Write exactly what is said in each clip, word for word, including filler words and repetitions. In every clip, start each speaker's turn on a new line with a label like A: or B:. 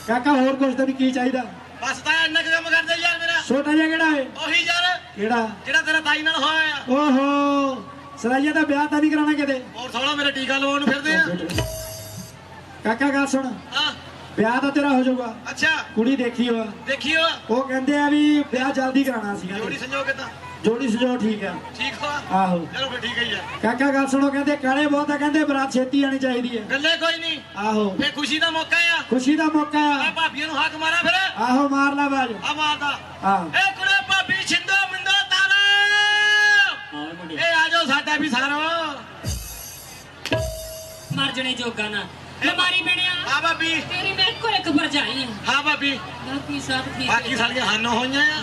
A: ਕਾਕਾ ਹੋਰ ਕੁਛ ਤੈਨੂੰ ਕੀ ਚਾਹੀਦਾ?
B: ਬਸ ਤਾਂ ਇੰਨਾ ਕੁ ਕੰਮ ਕਰਦੇ ਯਾਰ ਮੇਰਾ।
A: ਛੋਟਾ ਜਿਹਾ ਕਿਹੜਾ ਹੈ?
B: ਉਹੀ ਯਾਰ
A: ਕਿਹੜਾ?
B: ਜਿਹੜਾ ਤੇਰਾ ਤਾਈ ਨਾਲ ਹੋਇਆ ਆ।
A: ਓਹੋ ਸਰਾਈਆ ਦਾ ਵਿਆਹ ਤਾਂ ਨਹੀਂ ਕਰਾਉਣਾ ਕਿਤੇ?
B: ਹੋਰ ਸੋਹਣਾ ਮੇਰੇ ਟੀਕਾ ਲਵਾਉਣ ਨੂੰ ਫਿਰਦੇ ਆ।
A: ਕਾਕਾ ਗੱਲ ਸੁਣ,
B: ਹਾਂ
A: ਵਿਆਹ ਤਾਂ ਤੇਰਾ ਹੋ ਜਾਊਗਾ।
B: ਅੱਛਾ
A: ਕੁੜੀ ਦੇਖੀ ਹੋਆ,
B: ਦੇਖਿਓ
A: ਉਹ ਕਹਿੰਦੇ ਆ ਵੀ ਵਿਆਹ ਜਲਦੀ ਕਰਾਉਣਾ ਸੀਗਾ।
B: ਜੋੜੀ ਸੰਜੋਗ ਕਿਦਾਂ?
A: ਜੋੜੀ ਸਜੋ ਠੀਕ ਆ।
B: ਠੀਕ ਹੋ?
A: ਆਹੋ
B: ਚਲੋ ਫਿਰ ਠੀਕ ਹੈ ਯਾਰ।
A: ਕਾਕਾ ਗੱਲ ਸੁਣੋ, ਕਹਿੰਦੇ ਕਾਲੇ ਬਹੁਤ ਆ, ਕਹਿੰਦੇ ਬਰਾਤ ਛੇਤੀ ਆਣੀ ਚਾਹੀਦੀ ਹੈ।
B: ਗੱਲੇ ਕੋਈ ਨਹੀਂ।
A: ਆਹੋ
B: ਇਹ ਖੁਸ਼ੀ ਦਾ ਮੌਕਾ ਆ।
A: ਖੁਸ਼ੀ ਦਾ ਮੌਕਾ
B: ਆ
A: ਆ।
B: ਭਾਬੀਆਂ ਨੂੰ ਹੱਕ ਮਾਰਾ ਫਿਰ।
A: ਆਹੋ ਮਾਰ ਲਾ ਬਾਜ।
B: ਆ ਮਾਰਦਾ।
A: ਆਹੋ
B: ਇਹ ਕੁੜੇ ਭਾਬੀ ਛਿੰਦੋ ਮਿੰਦੋ ਤਾਰਾ। ਇਹ ਆ ਜਾਓ ਸਾਡਾ ਵੀ ਸਾਰਾ।
C: ਮਰ ਜਣੇ ਜੋਗਾ ਨਾ ਬਿਮਾਰੀ ਬਣਿਆ।
B: ਹਾਂ ਭਾਬੀ
C: ਤੇਰੀ ਮੇਰੇ ਕੋਲ ਇੱਕ ਭਰਜਾਈ ਹੈ।
B: ਹਾਂ ਭਾਬੀ
C: ਬਾਕੀ ਸਭ ਠੀਕ
B: ਬਾਕੀ
C: ਹੈ।
B: ਸਾਡੀਆਂ ਹਾਨੋਂ ਹੋਈਆਂ ਆ।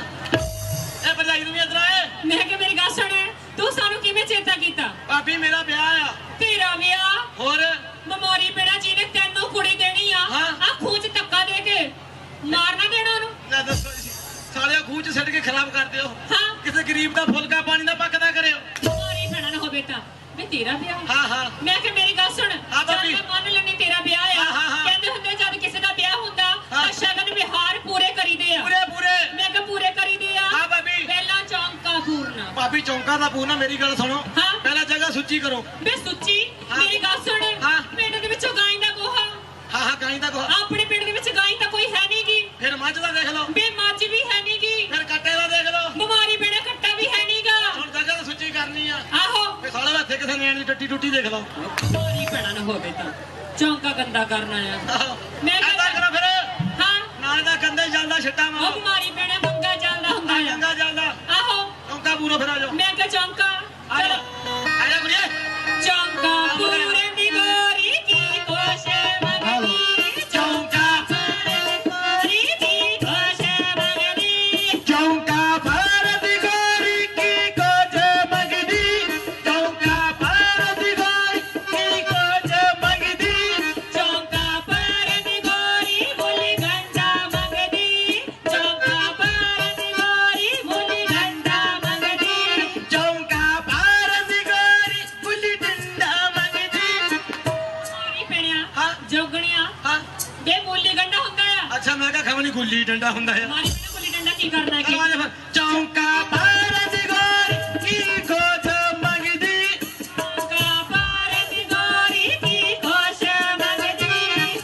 B: ਇਹ ਭਰਜਾਈ ਨੂੰ ਵੀ ਇਧਰ ਆਏ।
C: ਮੈਂ ਕਿ ਮੇਰੀ ਗੱਲ ਸੁਣ, ਤੂੰ ਸਾਨੂੰ ਕਿਵੇਂ ਚੇਤਾ ਕੀਤਾ?
B: ਭਾਬੀ ਮੇਰਾ ਵਿਆਹ ਆ।
C: ਤੇਰਾ ਵਿਆਹ?
B: ਹੋਰ
C: ਬਿਮਾਰੀ ਬਣਾ ਜੀ ਨੇ ਤੈਨੂੰ ਕੁੜੀ ਦੇਣੀ ਆ।
B: ਹਾਂ।
C: ਆ ਖੂਹ ਚ ਧੱਕਾ ਦੇ ਕੇ ਮਾਰਨਾ ਦੇਣਾ ਉਹਨੂੰ।
B: ਲੈ ਦੱਸੋ ਜੀ, ਸਾਲਿਆ ਖੂਹ ਚ ਸਿੱਟ ਕੇ ਖਰਾਬ ਕਰ ਦਿਓ।
C: ਹਾਂ
B: ਕਿਸੇ ਗਰੀਬ ਦਾ ਫੁਲਕਾ ਪਾਣੀ ਦਾ ਪੱਕਦਾ ਕਰਿਓ।
C: ਬਿਮਾਰੀ ਬਣਾ ਨਾ ਹੋਵੇ ਤਾਂ ਵੀ ਤੇਰਾ ਵਿਆਹ।
B: ਹਾਂ ਹਾਂ
C: ਮੈਂ ਕਿ ਮੇਰੀ ਗੱਲ ਸੁਣ,
B: ਹਾਂ ਭਾਬੀ।
C: ਚੱਲ ਮੈਂ ਮੰਨ ਲੈਣੀ ਤੇਰਾ ਵਿਆਹ ਆ।
B: ਹਾਂ, ਹਾਂ, ਹਾਂ।
C: ਕਹਿੰਦੇ ਹੁੰਦੇ ਜਦ ਕਿਸੇ ਦਾ ਵਿਆਹ ਹੁੰਦਾ
B: ਹਾਂ।
C: ਤਾਂ ਸ਼ਗਨ ਵਿਹਾਰ ਪੂਰੇ ਕਰੀਦੇ ਆ।
B: ਪੂਰੇ ਪੂਰੇ।
C: ਮੈਂ ਕਿ ਪੂਰੇ ਕਰੀਦੇ ਆ।
B: ਹਾਂ ਭਾਬੀ।
C: ਪਹਿਲਾਂ ਚੌਂਕਾ ਪੂਰਨਾ।
B: ਭਾਬੀ ਚੌਂਕਾ ਦਾ ਪੂਰਨਾ। ਮੇਰੀ ਗੱਲ ਸੁਣੋ,
C: ਹਾਂ।
B: ਪਹਿਲਾਂ ਜਗ੍ਹਾ ਸੁੱਚੀ ਕਰੋ।
C: ਬੇ ਸੁੱਚੀ
B: ਹਾਂ।
C: ਮੇਰੀ ਗੱਲ ਸੁਣ,
B: ਹਾਂ।
C: ਪਿੰਡ ਦੇ ਵਿੱਚੋਂ ਗਾਂ ਦਾ ਗੋਹਾ।
B: ਹਾਂ ਹਾਂ ਗਾਈ ਦਾ ਕੋ।
C: ਆਪਣੇ ਪਿੰਡ ਦੇ ਵਿੱਚ ਗਾਂ ਤਾਂ ਕੋਈ ਹੈ ਨਹੀਂਗੀ।
B: ਫਿਰ ਮੱਝ ਦਾ ਦੇਖ ਲਓ।
C: ਬੇ ਮੱਝ ਵੀ ਹੈ ਨਹੀਂਗੀ।
B: ਫਿਰ ਕੱਟੇ ਦਾ ਦੇਖ ਲਓ।
C: ਬਿਮਾਰੀ ਬੇੜਾ ਕੱਟਾ ਵੀ ਹੈ ਨਹੀਂਗਾ।
B: ਹੁਣ ਜਗ੍ਹਾ ਤਾਂ ਸੁੱਚੀ ਕਰਨੀ ਆ।
C: ਆਹੋ
B: ਫਿਰ ਸਾਲੇ ਹੱਥੇ ਕਿਸੇ ਨੈਣ ਦੀ ਟੱਟੀ ਟੁੱਟੀ ਦੇਖ ਲਓ।
C: ਬਿਮਾਰੀ ਪੈਣਾ ਨਾ ਹੋਵੇ ਤਾਂ ਚੌਂਕਾ ਗੰਦਾ ਕਰਨਾ ਆ।
B: ਆਹੋ।
C: ਮੈਂ
B: ਏਦਾਂ
C: ਕਹਿੰਦਾ
B: ਕਰੋ ਫਿਰ।
C: ਹਾਂ
B: ਨਾਲ ਦਾ ਕੰਦੇ ਚੱਲਦਾ ਛੱਟਾ
C: ਉਹ
B: ਮਾਰੋ।
C: ਬਿਮਾਰੀ ਪੈਣਾ ਮੰਗਾ ਚੱਲਦਾ ਹੁੰਦਾ ਆ।
B: ਗੰਗਾ ਚੱਲਦਾ।
C: ਆਹੋ
B: ਚੌਂਕਾ ਪੂਰਾ ਫਿਰ ਆ ਜਾਓ।
C: ਮੈਂ ਕਿਹਾ ਚੌਂਕਾ
B: ਆ ਜਾ
C: ਚਲੋ।
B: ਆ ਜਾ ਕੁੜੀਏ।
C: ਚੌਂਕਾ ਪੂਰੇ ਦੀ ਗੋਰੀ ਕੀ ਕੋਸ਼ ਮੰਗਦੀ। ਚੌਂਕਾ ਪੂਰੇ ਗੋਰੀ ਦੀ ਕੋਸ਼ ਮੰਗਦੀ।
B: ਚੌਂਕਾ ਭਾਰਤ ਗੋਰੀ ਕੀ ਕੋਜ ਮੰਗਦੀ। ਚੌਂਕਾ ਭਾਰਤ ਗੋਰੀ ਕੀ ਕੋਜ ਮੰਗਦੀ।
C: ਚੌਂਕਾ ਪੂਰੇ ਦੀ ਗੋਰੀ ਬੋਲੀ ਗੰਡਾ ਮੰਗਦੀ। ਚੌਂਕਾ ਪੂਰੇ ਦੀ ਗੋਰੀ ਬੋਲੀ ਗੰਡਾ ਮੰਗਦੀ।
B: ਚੌਂਕਾ ਭਾਰਤ ਗੋਰੀ ਬੁੱਲੀ ਡੰਡਾ ਮੰਗਦੀ।
C: ਮਾਰੀ ਪੈਣਿਆ
B: ਹਾਂ।
C: ਜੋਗਣਿਆ
B: ਹਾਂ
C: ਬੇ ਬੋਲੀ ਗੰਡਾ ਹੁੰਦਾ ਆ।
B: ਅੱਛਾ ਮੈਂ ਕਿਹਾ ਖਵਣੀ ਗੁੱਲੀ ਡੰਡਾ ਹੁੰਦਾ ਹੈ।
C: ਮਾਰੀ ਪੈਣਾ ਬੋਲੀ ਡੰਡਾ ਕੀ ਕਰਨਾ ਕੀ?
B: ਕਰਵਾ ਦੇ ਫਿਰ। ਚੌਂਕਾ ਭਾਰਤ ਗੋਰੀ ਕੀ ਕੋਜ ਮੰਗਦੀ।
C: ਚੌਂਕਾ ਪੂਰੇ ਦੀ ਗੋਰੀ ਕੀ ਕੋਸ਼ ਮੰਗਦੀ।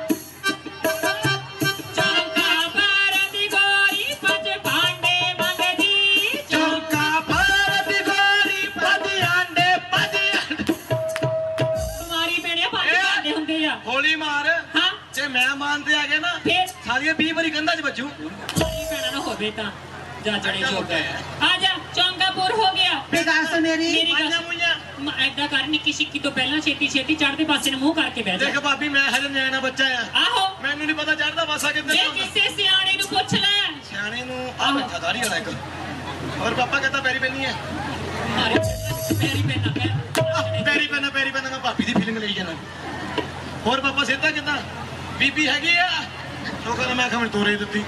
C: ਚੌਂਕਾ ਪੂਰੇ ਦੀ ਗੋਰੀ ਪੰਜ ਭਾਂਡੇ ਮੰਗਦੀ।
B: ਚੌਂਕਾ ਭਾਰਤ ਗੋਰੀ ਪਦ ਆਂਡੇ ਪਦ ਆਂਡੇ।
C: ਮਾਰੀ ਪੈਣਿਆ ਪੰਜ
B: ਇਹ-
C: ਭਾਂਡੇ ਹੁੰਦੇ ਆ।
B: ਗੋਲੀ ਮਾਰ।
C: ਹਾਂ
B: ਜੇ ਮੈਂ ਮਾਨਤੇ ਆ ਗਿਆ ਨਾ
C: ਫੇਰ
B: ਸਾਰੀਆਂ ਵੀਹ ਵਾਰੀ ਕੰਧਾਂ 'ਚ ਵੱਜੂ।
C: ਮਾਰੀ ਪੈਣਾ ਨਾ ਹੋਵੇ ਤਾਂ ਜਾ ਜਣੇ ਜੋਗਾ ਆ ਜਾ। ਚੌਂਕਾਪੁਰ ਹੋ ਗਿਆ।
D: ਦੱਸ ਮੇਰੀ
C: ਮੇਰੀ ਗੱਲ
B: ਮਾਈਆਂ ਮੁਈਆਂ
C: ਮ- ਏਦਾਂ ਕਰ ਨਿੱਕੀ ਸਿੱਕੀ ਤੋਂ ਪਹਿਲਾਂ ਛੇਤੀ ਛੇਤੀ ਚੜ੍ਹਦੇ ਪਾਸੇ ਨੂੰ ਮੂੰਹ ਕਰਕੇ ਬਹਿ
B: ਦੇਖ
C: ਜਾ।
B: ਭਾਬੀ ਮੈਂ ਹਜੇ ਨਿਆਣਾ ਬੱਚਾ ਆ।
C: ਆਹੋ
B: ਮੈਨੂੰ ਨਹੀਂ ਪਤਾ ਚੜਦਾ ਪਾਸਾ ਕਿੱਧਰ
C: ਜੇ
B: ਨੂੰ ਹੁੰਦਾ।
C: ਕਿਸੇ ਸਿਆਣੇ ਨੂੰ ਪੁੱਛ ਲੈ।
B: ਸਿਆਣੇ ਨੂੰ ਆ ਬੈਠਾ ਦਾੜੀ ਵਾਲਾ ਇੱਕ। ਹੋਰ ਪਾਪਾ ਕਹਿੰਦਾ ਪੈਰੀ ਪੈਣੀ ਹੈ।
C: ਮਾਰੇ ਪੈਰੀ ਪੈਣਾ ਪੈ
B: ਪੈਰੀ ਪੈਣਾ ਪੈਰੀ ਪੈਣਾ ਮੈਂ ਭਾਬੀ ਦੀ ਫੀਲਿੰਗ ਲਈ ਜਾਣਾ। ਹੋਰ ਪਾਪਾ ਸਿੱਧਾ ਕਿੱਦਾਂ? ਬੀਬੀ ਹੈਗੀ ਆ। ਉਹ ਕਹਿੰਦਾ ਮੈਂ ਖਮਣ ਤੋਰੇ ਦਿੱਤੀ।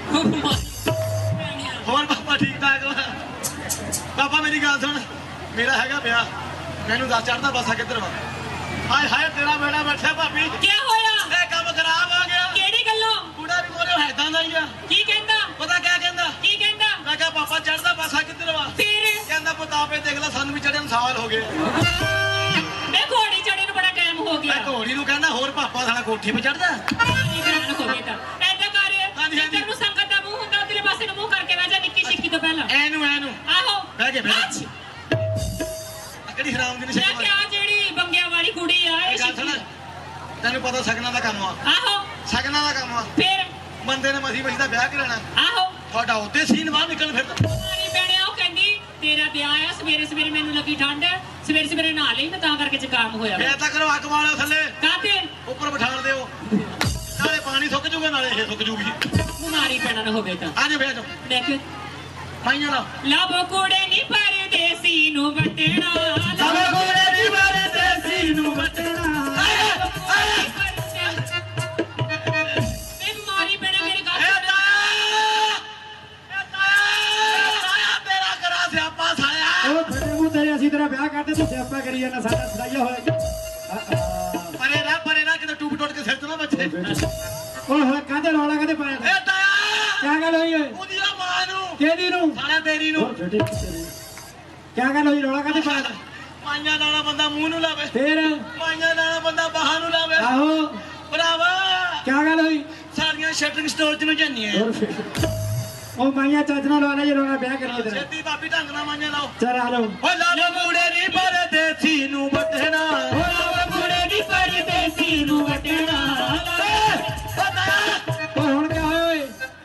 B: ਹੋਰ ਪਾਪਾ ਠੀਕ ਠਾਕ ਵਾ? ਪਾਪਾ ਮੇਰੀ ਗੱਲ ਸੁਣ, ਮੇਰਾ ਹੈਗਾ ਵਿਆਹ। ਮੈਨੂੰ ਦੱਸ ਚੜਦਾ ਪਾਸਾ ਕਿੱਧਰ ਵਾ? ਹਾਏ ਹਾਏ ਤੇਰਾ ਬੇੜਾ ਬੈਠਾ ਭਾਬੀ।
C: ਕੀ ਹੋਇਆ?
B: ਇਹ ਕੰਮ ਖਰਾਬ ਹੋ ਗਿਆ।
C: ਕਿਹੜੀ ਗੱਲੋਂ?
B: ਕੁੜਾ ਵੀ ਮੋਰੇ ਹੈਦਾਂ ਦਾ ਹੀ ਆ।
C: ਕੀ ਕਹਿੰਦਾ?
B: ਪਤਾ ਕਿਆ ਕਹਿੰਦਾ?
C: ਕੀ ਕਹਿੰਦਾ?
B: ਮੈਂ ਕਿਹਾ ਪਾਪਾ ਚੜਦਾ ਪਾਸਾ ਕਿੱਧਰ ਵਾ?
C: ਫਿਰ
B: ਕਹਿੰਦਾ ਪੁੱਤਾਪੇ ਦੇਖ ਲੈ ਸਾਨੂੰ ਵੀ ਚੜ੍ਹੇ ਨੂੰ ਸਾਲ ਹੋ ਗਏ।
C: ਮੈਂ ਘੋੜੀ ਚੜੇ ਨੂੰ ਬੜਾ ਟਾਈਮ ਹੋ ਗਿਆ।
B: ਮੈਂ ਘੋੜੀ ਨੂੰ ਕਹਿੰਦਾ ਹੋਰ ਪਾਪਾ ਸਾਡਾ ਕੋਠੀ 'ਤੇ ਚੜਦਾ।
C: ਮਾਰੀ ਪੈਣਾ ਹੋਵੇ ਤਾਂ ਏਦਾਂ ਕਰ।
B: ਹਾਂਜੀ, ਹਾਂਜੀ।
C: ਜਿੱਧਰ ਨੂੰ ਸੰਗਤ ਦਾ ਮੂੰਹ ਹੁੰਦਾ ਉਧਰਲੇ ਪਾਸੇ ਨੂੰ ਮੂੰਹ ਕਰਕੇ ਬਹਿ ਜਾ ਨਿੱਕੀ ਸਿੱਕੀ ਤੋਂ ਪਹਿਲਾਂ।
B: ਐਨੂੰ ਐਨੂੰ
C: ਆਹੋ
B: ਬਹਿ ਕੇ ਬਹਿ
C: ਅੱਛ।
B: ਕਿਹੜੀ ਹਰਾਮ ਦੀ
C: ਮੈਂ
B: ਨਿਸ਼ਾਨੀ
C: ਕਿਹਾ ਜਿਹੜੀ ਬੰਗਿਆਂ ਵਾਲੀ ਕੁੜੀ ਆ ਇਹ
B: ਗੱਲ ਸੁਣ,
C: ਸਿੱਖੀ।
B: ਤੈਨੂੰ ਪਤਾ ਸਗਨਾਂ ਦਾ ਕੰਮ ਆ।
C: ਆਹੋ
B: ਸਗਨਾਂ ਦਾ ਕੰਮ ਆ।
C: ਫਿਰ
B: ਬੰਦੇ ਨੇ ਮਸੀ ਮਸੀ ਦਾ ਵਿਆਹ ਕਰਾਣਾ।
C: ਆਹੋ
B: ਤੁਹਾਡਾ ਉੱਤੇ ਸੀਨ ਬਾਹਰ ਨਿਕਲ ਫਿਰਦਾ।
C: ਮਾਰੀ ਪੈਣਿਆ ਉਹ ਕਹਿੰਦੀ ਤੇਰਾ ਵਿਆਹ ਆ। ਸਵੇਰੇ ਸਵੇਰੇ ਮੈਨੂੰ ਲੱਗੀ ਠੰਡ। ਸਵੇਰੇ ਸਵੇਰੇ ਨਹਾ ਲਈ ਮੈਂ ਤਾਂ ਕਰਕੇ ਜ਼ੁਕਾਮ ਹੋਇਆ ਵਾ।
B: ਫੇਰ ਤਾਂ ਕਰੋ ਅੱਗ ਵਾਲਿਓ ਥੱਲੇ
C: ਕਾਤੇ
B: ਉੱਪਰ ਬਿਠਾਣ ਦਿਓ। ਨਾਲੇ ਪਾਣੀ ਸੁੱਕ ਜੂਗਾ ਨਾਲੇ ਇਹ ਸੁੱਕ ਜੂਗੀ।
C: ਮਾਰੀ ਪੈਣਾ ਨਾ ਹੋਵੇ ਤਾਂ
B: ਅੱਜ ਫੇਰ
C: ਮੈਂ ਕਿ
B: ਮਾਈਆਂ ਦਾ
C: ਲੱਭ ਕੁੜੇ ਨਹੀਂ ਪਰਦੇਸੀ ਨੂੰ ਵਟਣਾ।
B: ਸਭ ਕੋਲੇ ਦੀ ਮਾਰੇ ਦੇਸੀ ਨੂੰ ਵਟਣਾ।
C: ਮੈਂ ਮਾਰੀ ਪੈਣਾ ਮੇਰੇ ਗੱਲ
B: ਇਹ ਤਾਇਆ ਇਹ ਤਾਇਆ ਤਾਇਆ ਤੇਰਾ ਕਰਾ ਸਿਆਪਾ ਸਾਇਆ।
A: ਉਹ ਫਟੇ ਮੂੰਹ ਤੇਰੇ ਅਸੀਂ ਤੇਰਾ ਵਿਆਹ ਕਰਦੇ ਤੂੰ ਸਿਆਪਾ ਕਰੀ ਜਾਂਦਾ। ਸਾਡਾ ਸਦਾਈਆ ਹੋਇਆ ਜੀ।
B: ਪਰੇ ਨਾ ਪਰੇ ਨਾ ਕਿਤੇ ਟੂਬ ਟੁੱਟ ਕੇ ਸਿਰ ਤੋਂ ਨਾ ਬੱਚੇ।
A: ਓਏ ਹੋਏ ਕਾਹਦੇ ਜੇ ਰੌਲਾ ਕਦੇ ਪਾਇਆ
B: ਏ ਤਾਇਆ
A: ਕਿਆ ਗੱਲ ਹੋਈ ਓਏ
B: ਉਹਦੀ ਆ ਮਾਂ ਨੂੰ
A: ਕਿਹਦੀ ਨੂੰ
B: ਸਾਲਾ ਤੇਰੀ ਨੂੰ
A: ਕਿਆ ਗੱਲ ਹੋਈ ਰੌਲਾ ਕਦੇ ਪਾਇਆ
B: ਮਾਈਆਂ ਨਾਲਾ ਬੰਦਾ ਮੂੰਹ ਨੂੰ ਲਾਵੇ
A: ਫੇਰ
B: ਮਾਈਆਂ ਨਾਲਾ ਬੰਦਾ ਬਾਹਾਂ ਨੂੰ ਲਾਵੇ
A: ਆਹੋ
B: ਭਰਾਵਾ
A: ਕਿਆ ਗੱਲ ਹੋਈ
B: ਸਾਰੀਆਂ ਸ਼ਟਰਿੰਗ ਸਟੋਰ ਚ ਨੂੰ ਜਾਂਦੀਆਂ
A: ਹੋਰ ਫਿਰ ਉਹ ਮਾਈਆਂ ਚੱਜ ਨਾਲ ਲਾ ਲੈ ਜੇ ਰੌਲਾ ਵਿਆਹ ਕਰੀਏ ਤੇਰਾ
B: ਛੇਤੀ ਬਾਬੀ ਢੰਗ ਨਾਲ ਮਾਈਆਂ ਲਾਓ
A: ਚੱਲ ਆ ਜਾਓ
B: ਓ ਲਾਵੇ ਮੂੜੇ ਨਹੀਂ ਪਰਦੇਸੀ ਨੂੰ ਵਟਣਾ
C: ਓ ਲਾਵੇ ਕੁੜੇ ਦੀ ਪਰਦੇਸੀ ਨੂੰ ਵਟਣਾ
A: ਉਹ ਹੁਣ ਕਿਆ ਹੋਇਆ ਓਏ